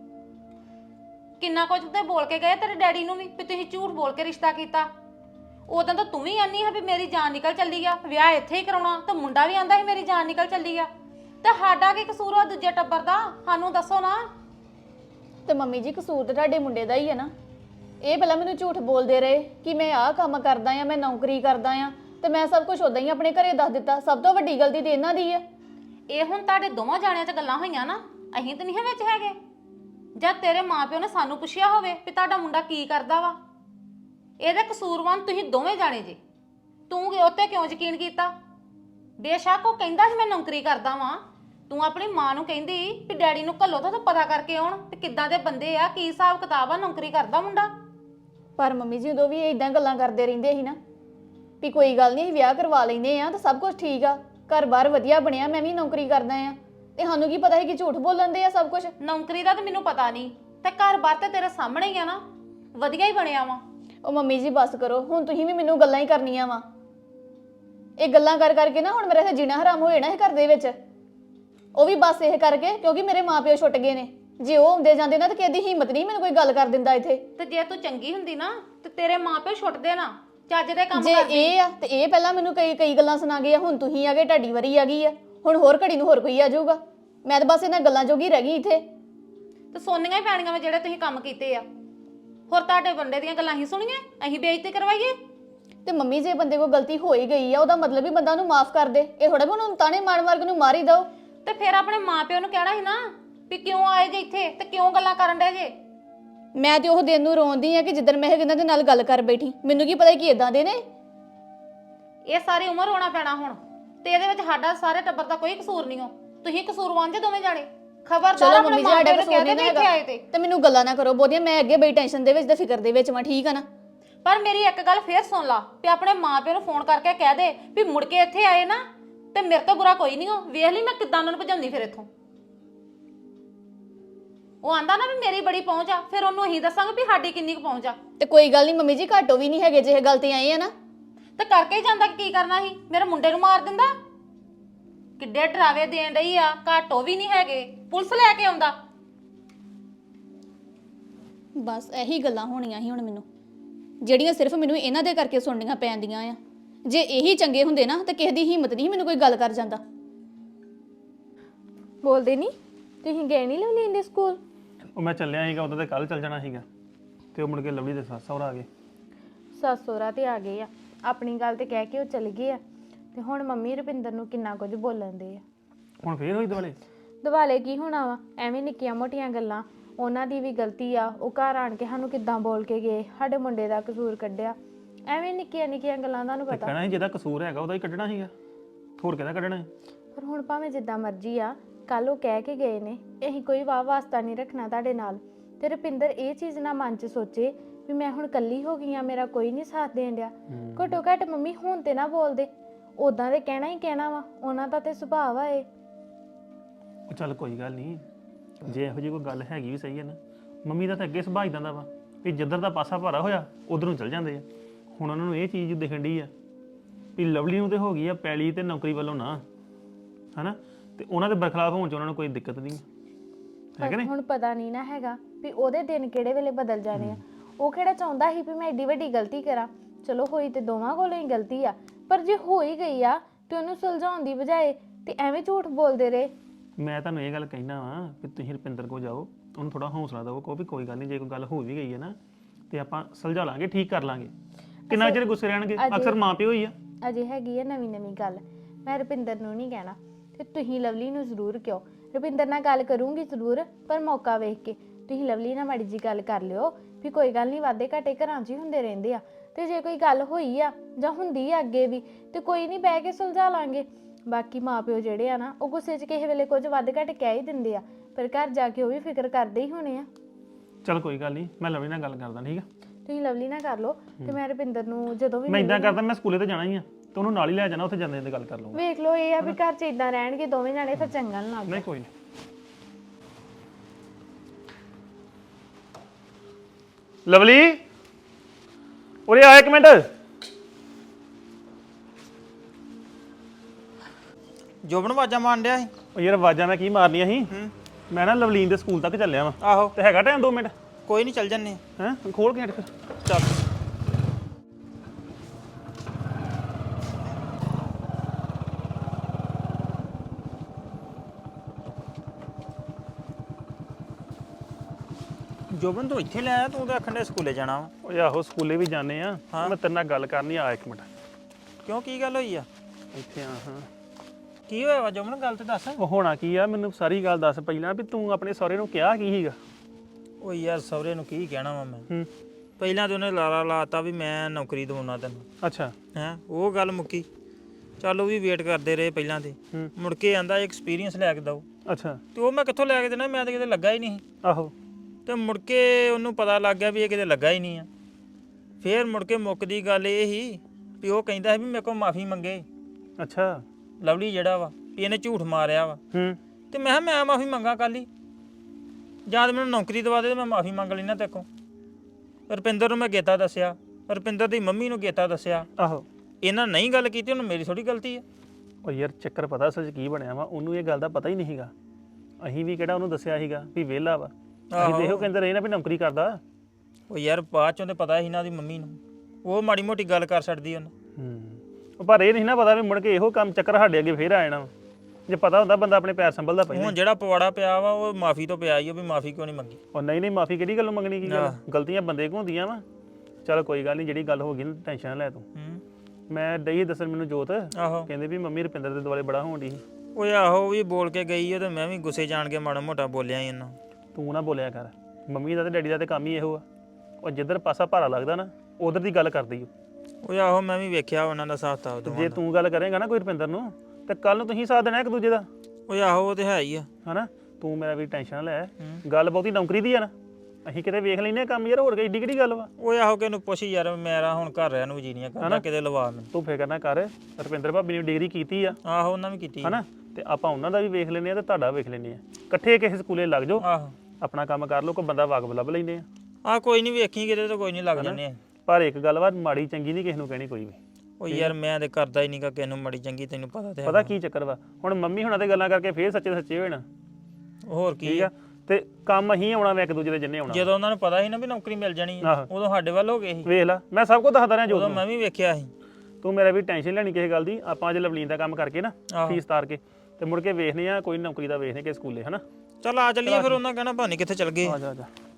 ਕਿੰਨਾ ਕੁਝ ਤੇ ਬੋਲ ਕੇ ਗਏ ਤੇਰੇ ਡੈਡੀ ਨੂੰ ਵੀ ਤੁਸੀਂ ਝੂਠ ਬੋਲ ਕੇ ਰਿਸ਼ਤਾ ਕੀਤਾ। ਉਦੋਂ ਤਾਂ ਤੂੰ ਵੀ ਆਨੀ ਹੈ ਵੀ ਮੇਰੀ ਜਾਨ ਨਿਕਲ ਚੱਲੀ ਆ, ਵਿਆਹ ਇੱਥੇ ਹੀ ਕਰਾਉਣਾ, ਤੇ ਮੁੰਡਾ ਵੀ ਆਂਦਾ ਸੀ ਮੇਰੀ ਜਾਨ ਨਿਕਲ ਚੱਲੀ ਆ। ਤੇ ਸਾਡਾ ਕੀ ਕਸੂਰ ਆ ਦੂਜੇ ਟੱਬਰ ਦਾ? ਸਾਨੂੰ ਦੱਸੋ ਨਾ। ਤੇ ਮੰਮੀ ਜੀ ਕਸੂਰ ਤਾਂ ਤੁਹਾਡੇ ਮੁੰਡੇ ਦਾ ਹੀ ਹੈ ਨਾ। ਇਹ ਪਹਿਲਾਂ ਮੈਨੂੰ ਝੂਠ ਬੋਲਦੇ ਰਹੇ ਕਿ ਮੈਂ ਆਹ ਕੰਮ ਕਰਦਾ ਆ, ਮੈਂ ਨੌਕਰੀ ਕਰਦਾ ਆ, ਤੇ ਮੈਂ ਸਭ ਕੁਝ ਉਦਾਂ ਹੀ ਆਪਣੇ ਘਰੇ ਦੱਸ ਦਿੱਤਾ। ਸਭ ਤੋਂ ਵੱਡੀ ਗਲਤੀ ਤੇ ਇਹਨਾਂ ਦੀ ਆ। ਇਹ ਹੁਣ ਤੁਹਾਡੇ ਦੋਵਾਂ ਜਾਣਿਆਂ 'ਚ ਗੱਲਾਂ ਹੋਈਆਂ ਨਾ, ਅਸੀਂ ਤਾਂ ਨਹੀਂ ਵਿੱਚ ਹੈਗੇ। ਜਦ ਤੇਰੇ ਮਾਪਿਓ ਨੇ ਸਾਨੂੰ ਪੁੱਛਿਆ ਹੋਵੇ ਵੀ ਤੁਹਾਡਾ ਮੁੰਡਾ ਕੀ ਕਰਦਾ ਵਾ, ਇਹਦੇ ਕਸੂਰਵਾਨ ਤੁਸੀਂ ਦੋਵੇਂ ਜਾਣੇ ਜੇ। ਤੂੰ ਉੱਤੇ ਕਿਉਂ ਯਕੀਨ ਕੀਤਾ? ਬੇਸ਼ੱਕ ਉਹ ਕਹਿੰਦਾ ਸੀ ਮੈਂ ਨੌਕਰੀ ਕਰਦਾ ਵਾਂ, ਤੂੰ ਆਪਣੀ ਮਾਂ ਨੂੰ ਕਹਿੰਦੀ ਵੀ ਡੈਡੀ ਨੂੰ ਘੱਲੋ ਤਾਂ ਪਤਾ ਕਰਕੇ ਆਉਣ ਤੇ ਕਿੱਦਾਂ ਦੇ ਬੰਦੇ ਆ, ਕੀ ਹਿਸਾਬ ਕਿਤਾਬ ਆ, ਨੌਕਰੀ ਕਰਦਾ ਮੁੰਡਾ। ਪਰ ਮੰਮੀ ਜੀ ਉਦੋਂ ਵੀ ਇਦਾਂ ਗੱਲਾਂ ਕਰਦੇ ਰਹਿੰਦੇ ਸੀ ਨਾ ਵੀ ਕੋਈ ਗੱਲ ਨਹੀਂ ਵਿਆਹ ਕਰਵਾ ਲੈਂਦੇ ਆ ਤਾਂ ਸਭ ਕੁਝ ਠੀਕ ਆ, ਘਰ-ਬਾਰ ਵਧੀਆ ਬਣਿਆ, ਮੈਂ ਵੀ ਨੌਕਰੀ ਕਰਦਾ ਆ, ਤੇ ਸਾਨੂੰ ਕੀ ਪਤਾ ਸੀ ਕਿ ਝੂਠ ਬੋਲਣ ਦੇ ਆ ਸਭ ਕੁਝ। ਨੌਕਰੀ ਦਾ ਤਾਂ ਮੈਨੂੰ ਪਤਾ ਨਹੀਂ, ਤੇ ਘਰ-ਬਾਰ ਤੇ ਤੇਰੇ ਸਾਹਮਣੇ ਹੀ ਆ ਨਾ, ਵਧੀਆ ਹੀ ਬਣਿਆ ਵਾ। ਉਹ ਮੰਮੀ ਜੀ ਬਸ ਕਰੋ ਹੁਣ, ਤੁਸੀਂ ਵੀ ਮੈਨੂੰ ਗੱਲਾਂ ਹੀ ਕਰਨੀਆਂ ਵਾ। ਇਹ ਗੱਲਾਂ ਕਰ ਕਰਕੇ ਨਾ ਹੁਣ ਮੇਰਾ ਇੱਥੇ ਜੀਣਾ ਹਰਾਮ ਹੋ ਜਾਣਾ ਇਹ ਘਰ ਦੇ ਵਿੱਚ। ਉਹ ਵੀ ਬਸ ਇਹ ਕਰਕੇ ਕਿਉਂਕਿ ਮੇਰੇ ਮਾਪਿਓ ਛੁੱਟ ਗਏ ਨੇ। ਜੇ ਉਹ ਹੁੰਦੇ ਜਾਂਦੇ ਨਾ ਤਾਂ ਕਿਹਦੀ ਹਿੰਮਤ ਨਹੀਂ ਮੈਨੂੰ ਕੋਈ ਗੱਲ ਕਰ ਦਿੰਦਾ ਇੱਥੇ। ਤੇ ਜੇ ਤੂੰ ਚੰਗੀ ਹੁੰਦੀ ਨਾ ਤੇ ਤੇਰੇ ਮਾਪਿਓ ਛੁੱਟਦੇ ਨਾ, ਚੱਜ ਦੇ ਕੰਮ ਜੇ ਕਰਦੀ। ਇਹ ਆ ਤੇ ਇਹ ਪਹਿਲਾਂ ਮੈਨੂੰ ਕਈ ਗੱਲਾਂ ਸੁਣਾ ਗਏ ਆ, ਹੁਣ ਤੁਸੀਂ ਆ ਗਏ, ਤੁਹਾਡੀ ਵਾਰੀ ਆ ਗਈ ਆ, ਹੁਣ ਹੋਰ ਘੜੀ ਨੂੰ ਹੋਰ ਕੋਈ ਆ ਜਾਊਗਾ। ਮੈਂ ਤਾਂ ਬਸ ਇਹਨਾਂ ਗੱਲਾਂ ਜੋਗੀ ਰਹਿ ਗਈ ਇੱਥੇ। ਤੇ ਸੋਨੀਆਂ ਹੀ ਪੈਣੀਆਂ ਵਾ ਜਿਹੜੇ ਤੁਸੀਂ ਕੰਮ ਕੀਤੇ ਆ। ਹੋਰ ਤੁਹਾਡੇ ਬੰਦੇ ਦੀਆਂ ਗੱਲਾਂ ਹੀ ਸੁਣੀਏ, ਅਸੀਂ ਬੇਇੱਜ਼ਤੀ ਕਰਵਾਈਏ? ਤੇ ਮੰਮੀ ਜੇ ਬੰਦੇ ਕੋਲ ਗਲਤੀ ਹੋ ਹੀ ਗਈ ਆ ਉਹਦਾ ਮਤਲਬ ਹੀ ਬੰਦਾ ਉਹਨੂੰ ਮਾਫ ਕਰ ਦੇ। ਇਹ ਥੋੜਾ ਵੀ ਉਹਨੂੰ ਤਾਣੇ ਮਾਰ ਕੇ ਉਹਨੂੰ ਮਾਰ ਹੀ ਦਿਓ। ਤੇ ਫਿਰ ਆਪਣੇ ਮਾਪਿਓ ਨੂੰ ਕਹਿਣਾ ਸੀ ਨਾ ਵੀ ਕਿਉਂ ਆਏ ਜੇ ਇੱਥੇ ਤੇ ਕਿਉਂ ਗੱਲਾਂ ਕਰਨ ਡੇ ਜੇ। ਮੈਂ ਤੇ ਉਹ ਦਿਨ ਨੂੰ ਰੋਂਦੀ ਆ ਕਿ ਜਿੱਦਣ ਮੈਂ ਇਹਨਾਂ ਦੇ ਨਾਲ ਗੱਲ ਕਰ ਬੈਠੀ। ਮੈਨੂੰ ਕੀ ਪਤਾ ਕਿ ਇਦਾਂ ਦੇ ਨੇ। ਇਹ ਸਾਰੀ ਉਮਰ ਰੋਣਾ ਪੈਣਾ ਹੁਣ, ਤੇ ਇਹਦੇ ਵਿੱਚ ਸਾਡਾ ਸਾਰੇ ਟੱਬਰ ਦਾ ਕੋਈ ਕਸੂਰ ਨਹੀਂ ਹੋ। ਤੁਸੀਂ ਕਸੂਰਵਾਨ ਜੇ ਦੋਵੇਂ ਜਾਣੇ। ਖਬਰਦਾਰ ਆਪਣੇ ਮਾਪਿਓ ਨੂੰ ਕਹਿ ਦੇ ਇੱਥੇ ਆਏ ਤੇ। ਤੇ ਮੈਨੂੰ ਗੱਲਾਂ ਨਾ ਕਰੋ ਬਹੁਤੀਆਂ, ਮੈਂ ਅੱਗੇ ਬਈ ਟੈਨਸ਼ਨ ਦੇ ਵਿੱਚ ਤੇ ਫਿਕਰ ਦੇ ਵਿੱਚ ਵਾਂ, ਠੀਕ ਆ ਨਾ। ਪਰ ਮੇਰੀ ਇੱਕ ਗੱਲ ਫੇਰ ਸੁਣ ਲਾ ਵੀ ਆਪਣੇ ਮਾਪਿਆਂ ਨੂੰ ਫੋਨ ਕਰਕੇ ਕਹਿ ਦੇ ਵੀ ਮੁੜ ਕੇ ਇੱਥੇ ਆਏ ਨਾ ਤੇ ਮੇਰੇ ਤੋਂ ਬੁਰਾ ਕੋਈ ਨਹੀਂ ਹੋ। ਵੇਖ ਲਈ ਮੈਂ ਕਿੱਦਾਂ ਉਹਨਾਂ ਨੂੰ ਭਜਾਉਂਦੀ ਫਿਰ ਇੱਥੋਂ। ਉਹ ਆਂਦਾ ਨਾ ਵੀ ਮੇਰੀ ਬੜੀ ਪਹੁੰਚ ਆ, ਫਿਰ ਉਹਨੂੰ ਅਸੀਂ ਦੱਸਾਂਗੇ ਵੀ ਸਾਡੀ ਕਿੰਨੀ ਕੁ ਪਹੁੰਚ ਆ। ਤੇ ਕੋਈ ਗੱਲ ਨਹੀਂ ਮੰਮੀ ਜੀ, ਘਾਟੋ ਵੀ ਨਹੀਂ ਹੈਗੇ ਜੇ ਇਹ ਗੱਲ ਤੇ ਆਏ ਆ ਨਾ। ਤੇ ਕਰਕੇ ਹੀ ਜਾਂਦਾ ਕੀ ਕਰਨਾ ਸੀ, ਮੇਰੇ ਮੁੰਡੇ ਨੂੰ ਮਾਰ ਦਿੰਦਾ। ਕਿੱਡੇ ਡਰਾਵੇ ਦੇਣ ਰਹੀ ਆ, ਘਾਟੋ ਵੀ ਨਹੀਂ ਹੈਗੇ, ਪੁਲਿਸ ਲੈ ਕੇ ਆਉਂਦਾ। ਬਸ ਇਹੀ ਗੱਲਾਂ ਹੋਣੀਆਂ ਸੀ ਹੁਣ ਮੈਨੂੰ, ਜਿਹੜੀਆਂ ਸਿਰਫ ਮੈਨੂੰ ਇਹਨਾਂ ਦੇ ਕਰਕੇ ਸੁਣਨੀਆਂ ਪੈਂਦੀਆਂ ਆ। ਜੇ ਇਹੀ ਚੰਗੇ ਹੁੰਦੇ ਨਾ ਤਾਂ ਕਿਸੇ ਦੀ ਹਿੰਮਤ ਨਹੀਂ ਮੈਨੂੰ ਕੋਈ ਗੱਲ ਕਰ ਜਾਂਦਾ। ਬੋਲਦੇ ਨਹੀਂ ਤੁਸੀਂ ਗਏ ਨਹੀਂ ਲਵਲੀਨ ਦੇ ਸਕੂਲ? ਉਹ ਮੈਂ ਚੱਲਿਆ ਸੀਗਾ ਉਦੋਂ ਤੇ ਕੱਲ ਚੱਲ ਜਾਣਾ ਸੀਗਾ ਤੇ ਉਹ ਮੁੜ ਕੇ ਲਵਲੀ ਦੇ ਸੱਸ ਸਹੁਰਾ ਆ ਗਏ। ਸੱਸ ਸਹੁਰਾ ਤੇ ਆ ਗਏ ਆ, ਆਪਣੀ ਗੱਲ ਤੇ ਕਹਿ ਕੇ ਉਹ ਚਲੇ ਗਏ ਆ ਤੇ ਹੁਣ ਮੰਮੀ ਰੁਪਿੰਦਰ ਨੂੰ ਕਿੰਨਾ ਕੁਝ ਬੋਲਣ ਦੇ ਆ। ਹੁਣ ਫੇਰ ਹੋਈ ਦੁਆਲੇ? ਦਿਵਾਲੇ ਕੀ ਹੋਣਾ ਵਾ, ਐਵੇਂ ਨਿੱਕੀਆਂ ਮੋਟੀਆਂ ਗੱਲਾਂ। ਉਹਨਾਂ ਦੀ ਵੀ ਗਲਤੀ ਆ, ਉਹ ਘਰ ਆਣ ਕੇ ਸਾਨੂੰ ਕਿੱਦਾਂ ਬੋਲ ਕੇ ਗਏ, ਸਾਡੇ ਮੁੰਡੇ ਦਾ ਕਸੂਰ ਕੱਢਿਆ। ਐਵੇਂ ਨਿੱਕੀਆਂ ਨਿੱਕੀਆਂ ਗੱਲਾਂ ਤੁਹਾਨੂੰ ਪਤਾ। ਕਹਿਣਾ ਸੀ ਜਿਹਦਾ ਕਸੂਰ ਹੈਗਾ ਉਹਦਾ ਹੀ ਕੱਢਣਾ ਸੀਗਾ, ਹੋਰ ਕਿਹਦਾ ਕੱਢਣਾ ਹੈ? ਪਰ ਹੁਣ ਭਾਵੇਂ ਜਿੱਦਾਂ ਮਰਜ਼ੀ ਆ, ਕੱਲ ਉਹ ਕਹਿ ਕੇ ਗਏ ਨੇ ਅਸੀਂ ਕੋਈ ਵਾਹ ਵਾਸਤਾ ਨਹੀਂ ਰੱਖਣਾ ਤੁਹਾਡੇ ਨਾਲ। ਤੇ ਰੁਪਿੰਦਰ ਇਹ ਚੀਜ਼ ਨਾ ਮਨ 'ਚ ਸੋਚੇ ਵੀ ਮੈਂ ਹੁਣ ਕੱਲੀ ਹੋ ਗਈ ਆ, ਮੇਰਾ ਕੋਈ ਨਹੀਂ ਸਾਥ ਦੇਣ ਡਿਆ। ਘੱਟੋ ਘੱਟ ਮੰਮੀ ਹੁਣ ਤੇ ਨਾ ਬੋਲਦੇ, ਉਦਾਂ ਦੇ ਕਹਿਣਾ ਹੀ ਕਹਿਣਾ ਵਾ, ਉਹਨਾਂ ਦਾ ਤੇ ਸੁਭਾਅ ਆ ਇਹ। ਉਹ ਚੱਲ ਕੋਈ ਗੱਲ ਨਹੀਂ, ਜੇ ਇਹੋ ਜਿਹੀ ਕੋਈ ਗੱਲ ਹੈਗੀ ਵੀ ਸਹੀ ਹੈ ਨਾ, ਮੰਮੀ ਦਾ ਤਾਂ ਅੱਗੇ ਸੁਭਾਅ ਇਦਾਂ ਦਾ ਵਾ ਵੀ ਜਿੱਧਰ ਦਾ ਪਾਸਾ ਭਾਰਾ ਹੋਇਆ ਉਧਰ ਨੂੰ ਚੱਲ ਜਾਂਦੇ ਆ। ਹੁਣ ਉਹਨਾਂ ਨੂੰ ਇਹ ਚੀਜ਼ ਦਿਖਣ ਡਈ ਆ ਵੀ ਲਵਲੀ ਨੂੰ ਤੇ ਹੋ ਗਈ ਆ ਪੈਲੀ ਤੇ ਨੌਕਰੀ ਵੱਲੋਂ ਨਾ, ਹਨਾ, ਤੇ ਉਹਨਾਂ ਦੇ ਬਰਖਲਾਫ ਹੋਣ 'ਚ ਉਹਨਾਂ ਨੂੰ ਕੋਈ ਦਿੱਕਤ ਨਹੀਂ ਹੈ ਕਿ ਨਹੀਂ। ਹੁਣ ਪਤਾ ਨਹੀਂ ਨਾ ਹੈਗਾ ਵੀ ਉਹਦੇ ਦਿਨ ਕਿਹੜੇ ਵੇਲੇ ਬਦਲ ਜਾਣੇ ਆ। ਉਹ ਕਿਹੜਾ ਚਾਹੁੰਦਾ ਸੀ ਵੀ ਮੈਂ ਏਡੀ ਵੱਡੀ ਗਲਤੀ ਕਰਾਂ। ਚਲੋ ਹੋਈ ਤੇ ਦੋਵਾਂ ਕੋਲੋਂ ਹੀ ਗਲਤੀ ਆ, ਪਰ ਜੇ ਹੋ ਹੀ ਗਈ ਆ ਤੇ ਉਹਨੂੰ ਸੁਲਝਾਉਣ ਦੀ ਬਜਾਏ ਤੇ ਐਵੇਂ ਝੂਠ ਬੋਲਦੇ ਰਹੇ। ਮੈਂ ਤੁਹਾਨੂੰ ਇਹ ਗੱਲ ਕਹਿਣਾ ਵਾ ਕਿ ਤੁਸੀਂ ਰੁਪਿੰਦਰ ਕੋਲ ਜਾਓ, ਉਹਨੂੰ ਥੋੜਾ ਹੌਸਲਾ ਦਿਓ, ਕਹੋ ਵੀ ਕੋਈ ਗੱਲ ਨਹੀਂ, ਜੇ ਕੋਈ ਗੱਲ ਹੋ ਵੀ ਗਈ ਹੈ ਨਾ ਤੇ ਆਪਾਂ ਸੁਲਝਾ ਲਾਂਗੇ, ਠੀਕ ਕਰ ਲਾਂਗੇ। ਕਿੰਨਾ ਚਿਰ ਗੁੱਸੇ ਰਹਿਣਗੇ, ਅਕਸਰ ਮਾਂ ਪਿਓ ਹੀ ਆ। ਅਜੇ ਹੈਗੀ ਆ ਨਵੀਂ ਨਵੀਂ ਗੱਲ, ਮੈਂ ਰੁਪਿੰਦਰ ਨੂੰ ਨਹੀਂ ਕਹਿਣਾ ਤੇ ਤੁਸੀਂ ਲਵਲੀ ਨੂੰ ਜ਼ਰੂਰ ਕਿਉਂ। ਰੁਪਿੰਦਰ ਨਾਲ ਗੱਲ ਕਰੂੰਗੀ ਜ਼ਰੂਰ, ਪਰ ਮੌਕਾ ਵੇਖ ਕੇ। ਤੁਸੀਂ ਲਵਲੀ ਨਾਲ ਮਾੜੀ ਜੀ ਗੱਲ ਕਰ ਲਿਓ ਵੀ ਕੋਈ ਗੱਲ ਨਹੀਂ, ਵਾਧੇ ਘਾਟੇ ਘਰਾਂ 'ਚ ਹੀ ਹੁੰਦੇ ਰਹਿੰਦੇ ਆ, ਤੇ ਜੇ ਕੋਈ ਗੱਲ ਹੋਈ ਆ ਜਾਂ ਹੁੰਦੀ ਆ ਅੱਗੇ ਵੀ ਤੇ ਕੋਈ ਨਹੀਂ, ਬਹਿ ਕੇ ਸੁਲਝਾ ਲਾਂਗੇ। ਬਾਕੀ ਮਾਪਿਓ ਜਿਹੜੇ ਆ ਨਾ, ਉਹ ਗੁੱਸੇ 'ਚ ਕਿਸੇ ਵੇਲੇ ਕੁਝ ਵੱਧ ਘੱਟ ਕਹਿ ਹੀ ਦਿੰਦੇ ਆ, ਪਰ ਘਰ ਜਾ ਕੇ ਉਹ ਵੀ ਫਿਕਰ ਕਰਦੇ ਹੀ ਹੋਣੇ ਆ। ਚਲ ਕੋਈ ਗੱਲ ਨਹੀਂ, ਮੈਂ ਲਵਲੀ ਨਾਲ ਗੱਲ ਕਰਦਾ, ਠੀਕ ਆ? ਤੁਸੀਂ ਲਵਲੀ ਨਾਲ ਕਰ ਲਓ ਤੇ ਮੈਂ ਰੁਪਿੰਦਰ ਨੂੰ ਜਦੋਂ ਵੀ ਮੈਂ ਇਦਾਂ ਕਰਦਾ, ਮੈਂ ਸਕੂਲੇ ਤੇ ਜਾਣਾ ਹੀ ਆ ਤੇ ਉਹਨੂੰ ਨਾਲ ਹੀ ਲੈ ਜਾਣਾ, ਉੱਥੇ ਜਾਂਦੇ ਜਾਂਦੇ ਗੱਲ ਕਰ ਲਵਾਂਗਾ। ਵੇਖ ਲਓ, ਇਹ ਆ ਵੀ ਘਰ 'ਚ ਇਦਾਂ ਰਹਿਣਗੇ ਦੋਵੇਂ ਜਾਣੇ ਫਿਰ ਚੰਗਾ ਨਹੀਂ ਲੱਗਦਾ। ਨਹੀਂ ਕੋਈ ਨਹੀਂ। ਲਵਲੀ ਉਰੇ ਆ ਇੱਕ ਮਿੰਟ। ਜੋਬਨ ਵਾਜਾ ਮਾਰਨ ਡਿਆ ਸੀ। ਉਹ ਯਾਰ ਆਵਾਜ਼ਾਂ ਮੈਂ ਕੀ ਮਾਰਨੀਆਂ ਸੀ, ਮੈਂ ਨਾ ਲਵਲੀਨ ਦੇ ਸਕੂਲ ਤੱਕ ਚੱਲਿਆ ਵਾਂ। ਆਹੋ ਤੇ ਹੈਗਾ ਟਾਈਮ 2 ਮਿੰਟ? ਕੋਈ ਨਹੀਂ, ਚੱਲ ਜੰਨੇ। ਹੈਂ ਖੋਲ ਕੇ ਹਟ ਚੱਲ। ਜੋਬਨ ਤੂੰ ਇੱਥੇ ਲੈ ਆਇਆ, ਤੂੰ ਤਾਂ ਆਖਣ ਡਿਆ ਸਕੂਲੇ ਜਾਣਾ ਵਾ। ਉਹ ਆਹੋ ਸਕੂਲੇ ਵੀ ਜਾਂਦੇ ਆ, ਮੈਂ ਤੇਰੇ ਨਾਲ ਗੱਲ ਕਰਨੀ ਆ, ਇੱਕ ਮਿੰਟ। ਕਿਉਂ, ਕੀ ਗੱਲ ਹੋਈ ਆ? ਇੱਥੇ ਆ ਹਾਂ। ਕੀ ਹੋਇਆ ਵਾ ਜੋਬਨ, ਗੱਲ ਤੇ ਦੱਸ। ਉਹ ਹੋਣਾ ਕੀ ਆ, ਮੈਨੂੰ ਸਾਰੀ ਗੱਲ ਦੱਸ ਪਹਿਲਾਂ ਵੀ ਤੂੰ ਆਪਣੇ ਸਹੁਰੇ ਨੂੰ ਕਿਹਾ ਕੀ ਸੀਗਾ? ਉਹ ਯਾਰ ਸਹੁਰੇ ਨੂੰ ਕੀ ਕਹਿਣਾ ਵਾ ਮੈਂ। ਹੂੰ। ਪਹਿਲਾਂ ਤੇ ਉਹਨੇ ਲਾਰਾ ਲਾਤਾ ਵੀ ਮੈਂ ਨੌਕਰੀ ਦਵਾਉਣਾ ਤੈਨੂੰ, ਅੱਛਾ। ਹੈਂ, ਉਹ ਗੱਲ ਮੁੱਕੀ। ਚੱਲ ਉਹ ਵੀ ਵੇਟ ਕਰਦੇ ਰਹੇ ਪਹਿਲਾਂ ਤੇ, ਮੁੜ ਕੇ ਆਂਦਾ ਐਕਸਪੀਰੀਅੰਸ ਲੈ ਕੇ ਦਓ। ਅੱਛਾ। ਤੇ ਉਹ ਮੈਂ ਕਿੱਥੋਂ ਲੈ ਕੇ ਦੇਣਾ, ਮੈਂ ਤਾਂ ਕਿਤੇ ਲੱਗਾ ਹੀ ਨਹੀਂ। ਆਹੋ। ਤੇ ਮੁੜ ਕੇ ਉਹਨੂੰ ਪਤਾ ਲੱਗ ਗਿਆ ਵੀ ਇਹ ਕਿਤੇ ਲੱਗਾ ਹੀ ਨਹੀਂ ਆ। ਫੇਰ ਮੁੜ ਕੇ ਮੁੱਕਦੀ ਗੱਲ ਇਹ ਸੀ ਵੀ ਉਹ ਕਹਿੰਦਾ ਸੀ ਵੀ ਮੇਰੇ ਕੋਲ ਮਾਫੀ ਮੰਗੇ। ਅੱਛਾ। ਲਵਲੀ ਜਿਹੜਾ ਵਾ ਵੀ ਇਹਨੇ ਝੂਠ ਮਾਰਿਆ ਵਾ। ਹੂੰ। ਤੇ ਮੈਂ ਕਿਹਾ ਮੈਂ ਮਾਫੀ ਮੰਗਾ ਕੱਲ ਹੀ, ਜਾਂ ਤਾਂ ਮੈਨੂੰ ਨੌਕਰੀ ਦਵਾ ਦੇ ਤੇ ਮੈਂ ਮਾਫੀ ਮੰਗ ਲੈਣਾ ਤੇਰੇ ਕੋਲ। ਰੁਪਿੰਦਰ ਨੂੰ ਮੈਂ ਗੇਤਾ ਦੱਸਿਆ, ਰੁਪਿੰਦਰ ਦੀ ਮੰਮੀ ਨੂੰ ਗੇਤਾ ਦੱਸਿਆ। ਆਹੋ। ਇਹਨਾਂ ਨਹੀਂ ਗੱਲ ਕੀਤੀ, ਉਹਨੂੰ ਮੇਰੀ ਥੋੜੀ ਗਲਤੀ ਆ। ਉਹ ਯਾਰ ਚੱਕਰ ਪਤਾ ਅਸਲ 'ਚ ਕੀ ਬਣਿਆ ਵਾ, ਉਹਨੂੰ ਇਹ ਗੱਲ ਦਾ ਪਤਾ ਹੀ ਨਹੀਂ ਸੀਗਾ। ਅਸੀਂ ਵੀ ਕਿਹੜਾ ਉਹਨੂੰ ਦੱਸਿਆ ਸੀਗਾ ਵੀ ਵਿਹਲਾ ਵਾ, ਅਸੀਂ ਤੇ ਇਹੋ ਕਹਿੰਦੇ ਰਹੇ ਨਾ ਵੀ ਨੌਕਰੀ ਕਰਦਾ। ਉਹ ਯਾਰ ਬਾਅਦ ਚੋਂ ਤੇ ਪਤਾ ਸੀ ਇਹਨਾਂ ਦੀ ਮੰਮੀ ਨੂੰ, ਉਹ ਮਾੜੀ ਮੋਟੀ ਗੱਲ ਕਰ ਛੱਡਦੀ ਉਹਨੂੰ। ਹੂੰ। ਪਰ ਇਹ ਨਹੀਂ ਨਾ ਪਤਾ ਵੀ ਮੁੜ ਕੇ ਇਹੋ ਕੰਮ ਚੱਕਰ ਸਾਡੇ ਅੱਗੇ ਫੇਰ ਆ ਜਾਣਾ। ਜੇ ਪਤਾ ਹੁੰਦਾ ਬੰਦਾ ਆਪਣੇ ਪੈਰ ਸੰਭਲਦਾ ਪਹਿਲਾਂ। ਹੁਣ ਜਿਹੜਾ ਪਵਾੜਾ ਪਿਆ ਵਾ ਉਹ ਮਾਫੀ ਤੋਂ ਪਿਆ ਹੀ, ਉਹ ਵੀ ਮਾਫੀ ਕਿਉਂ ਨਹੀਂ ਮੰਗੀ। ਉਹ ਨਹੀਂ ਮਾਫੀ ਕਿਹੜੀ ਗੱਲੋਂ ਮੰਗਣੀ, ਕੀ ਗੱਲ, ਗਲਤੀਆਂ ਬੰਦੇ ਕੋ ਹੁੰਦੀਆਂ ਵਾ। ਚਲ ਕੋਈ ਗੱਲ ਨਹੀਂ, ਜਿਹੜੀ ਗੱਲ ਹੋ ਗਈ ਨਾ ਟੈਨਸ਼ਨ ਨਾ ਲੈ ਤੂੰ। ਮੈਂ ਡਈ ਦੱਸਣ ਮੈਨੂੰ ਜੋਤ, ਆਹੋ, ਕਹਿੰਦੇ ਵੀ ਮੰਮੀ ਰੁਪਿੰਦਰ ਦੇ ਦੁਆਲੇ ਬੜਾ ਹੋਣ ਡਈ ਸੀ। ਓਏ ਆਹੋ, ਉਹ ਵੀ ਬੋਲ ਕੇ ਗਈ ਆ ਤੇ ਮੈਂ ਵੀ ਗੁੱਸੇ ਜਾਣ ਕੇ ਮਾੜਾ ਮੋਟਾ ਬੋਲਿਆ ਹੀ ਇਹਨਾਂ। ਤੂੰ ਨਾ ਬੋਲਿਆ ਕਰ, ਮੰਮੀ ਦਾ ਤੇ ਡੈਡੀ ਦਾ ਤੇ ਕੰਮ ਹੀ ਇਹੋ ਆ, ਉਹ ਜਿੱਧਰ ਪਾਸਾ ਭਾਰਾ ਲੱਗਦਾ ਨਾ ਉਧਰ ਦੀ ਗੱਲ ਕਰਦੀ ਉਹ। ਓਏ ਆਹੋ, ਮੈਂ ਵੀ ਵੇਖਿਆ ਉਹਨਾਂ ਦਾ ਹਿਸਾਬ ਤਾਂ। ਜੇ ਤੂੰ ਗੱਲ ਕਰੇਗਾ ਨਾ ਕੋਈ ਰੁਪਿੰਦਰ ਨੂੰ ਤੇ ਕੱਲ ਨੂੰ ਤੁਸੀਂ ਸਾਥ ਦੇਣਾ ਇੱਕ ਦੂਜੇ ਦਾ। ਓਏ ਆਹੋ, ਉਹ ਤੇ ਹੈ ਹੀ ਆ। ਹਨਾ, ਤੂੰ ਮੇਰਾ ਵੀ ਟੈਨਸ਼ਨ ਨਾ ਲੈ, ਗੱਲ ਬਹੁਤੀ ਨੌਕਰੀ ਦੀ ਆ ਨਾ, ਅਸੀਂ ਕਿਤੇ ਵੇਖ ਲੈਨੇ ਆ ਕੰਮ ਯਾਰ, ਹੋਰ ਏਡੀ ਕਿਹੜੀ ਗੱਲ ਵਾ। ਓਏ ਆਹੋ ਕਿ ਇਹਨੂੰ ਪੁੱਛ ਯਾਰ, ਮੇਰਾ ਹੁਣ ਘਰ ਰਿਆ ਨੂੰ ਜੀ ਨਹੀਂ ਕਰਦਾ ਕਿਤੇ ਲਵਾ ਮੈਨੂੰ। ਤੂੰ ਫਿਕਰ ਨਾ ਕਰ, ਰੁਪਿੰਦਰ ਭਾਬੀ ਨੇ ਡਿਗਰੀ ਕੀਤੀ ਆ ਆਹੋ ਉਹਨਾਂ ਵੀ ਕੀਤੀ ਹਨਾ, ਤੇ ਆਪਾਂ ਉਹਨਾਂ ਦਾ ਵੀ ਵੇਖ ਲੈਨੇ ਆ ਤੇ ਤੁਹਾਡਾ ਵੇਖ ਲੈਨੇ ਆ, ਇਕੱਠੇ ਕਿਸੇ ਸਕੂਲੇ ਲੱਗ ਜਾਓ, ਆਹੋ ਆਪਣਾ ਕੰਮ ਕਰ ਲਓ, ਕੋਈ ਬੰਦਾ ਵਾਕਬ ਲੱਭ ਲੈਨੇ ਆ। ਆ ਕੋਈ ਨਹੀਂ ਵੇਖੀ ਕਿਤੇ ਤਾਂ ਕੋਈ ਨਹੀਂ ਲੱਗ ਜੰਨੇ ਆ। ਪਰ ਇੱਕ ਗੱਲ ਵਾ, ਮਾੜੀ ਚੰਗੀ ਨਹੀਂ ਕਿਸੇ ਨੂੰ ਕਹਿਣੀ ਕੋਈ ਵੀ। ਓ ਯਾਰ ਮੈਂ ਤੇ ਕਰਦਾ ਹੀ ਨਹੀਂਗਾ ਕਿਸੇ ਨੂੰ ਮੜੀ ਚੰਗੀ, ਤੈਨੂੰ ਪਤਾ ਤੇ ਪਤਾ ਕੀ ਚੱਕਰ ਵਾ, ਹੁਣ ਮੰਮੀ ਹੁਣਾਂ ਤੇ ਗੱਲਾਂ ਕਰਕੇ ਫੇਰ ਸੱਚੇ ਹੋਏ ਨਾ, ਹੋਰ ਕੀ ਠੀਕ ਆ, ਤੇ ਕੰਮ ਅਸੀਂ ਆਉਣਾ ਵਾ ਇੱਕ ਦੂਜੇ ਦੇ ਜਿੰਨੇ ਆਉਣਾ। ਜਦੋਂ ਉਹਨਾਂ ਨੂੰ ਪਤਾ ਸੀ ਨਾ ਵੀ ਨੌਕਰੀ ਮਿਲ ਜਾਣੀ ਆ, ਉਦੋਂ ਸਾਡੇ ਵੱਲ ਹੋ ਗਏ ਸੀ। ਵੇਖ ਲੈ, ਮੈਂ ਸਭ ਕੁਝ ਦੱਸਦਾ ਰਿਹਾ ਜੋ ਉਦੋਂ ਮੈਂ ਵੀ ਵੇਖਿਆ ਸੀ। ਤੂੰ ਮੇਰਾ ਵੀ ਟੈਨਸ਼ਨ ਲੈਣੀ ਕਿਸੇ ਗੱਲ ਦੀ, ਆਪਾਂ ਅੱਜ ਲਵਲੀਨ ਦਾ ਕੰਮ ਕਰਕੇ ਨਾ ਫੀਸ ਤਾਰ ਕੇ ਤੇ ਮੁੜ ਕੇ ਵੇਖਨੇ ਆ ਕੋਈ ਨੌਕਰੀ ਦਾ ਵੇਖਨੇ ਕਿ ਸਕੂਲੇ ਹਨਾ। ਚੱਲ ਆ ਚੱਲੀਏ ਫਿਰ, ਉਹਨਾਂ ਕਹਿਣਾ ਭਾਨੀ ਕਿੱਥੇ ਚੱਲ ਗਏ। ਆ ਜਾ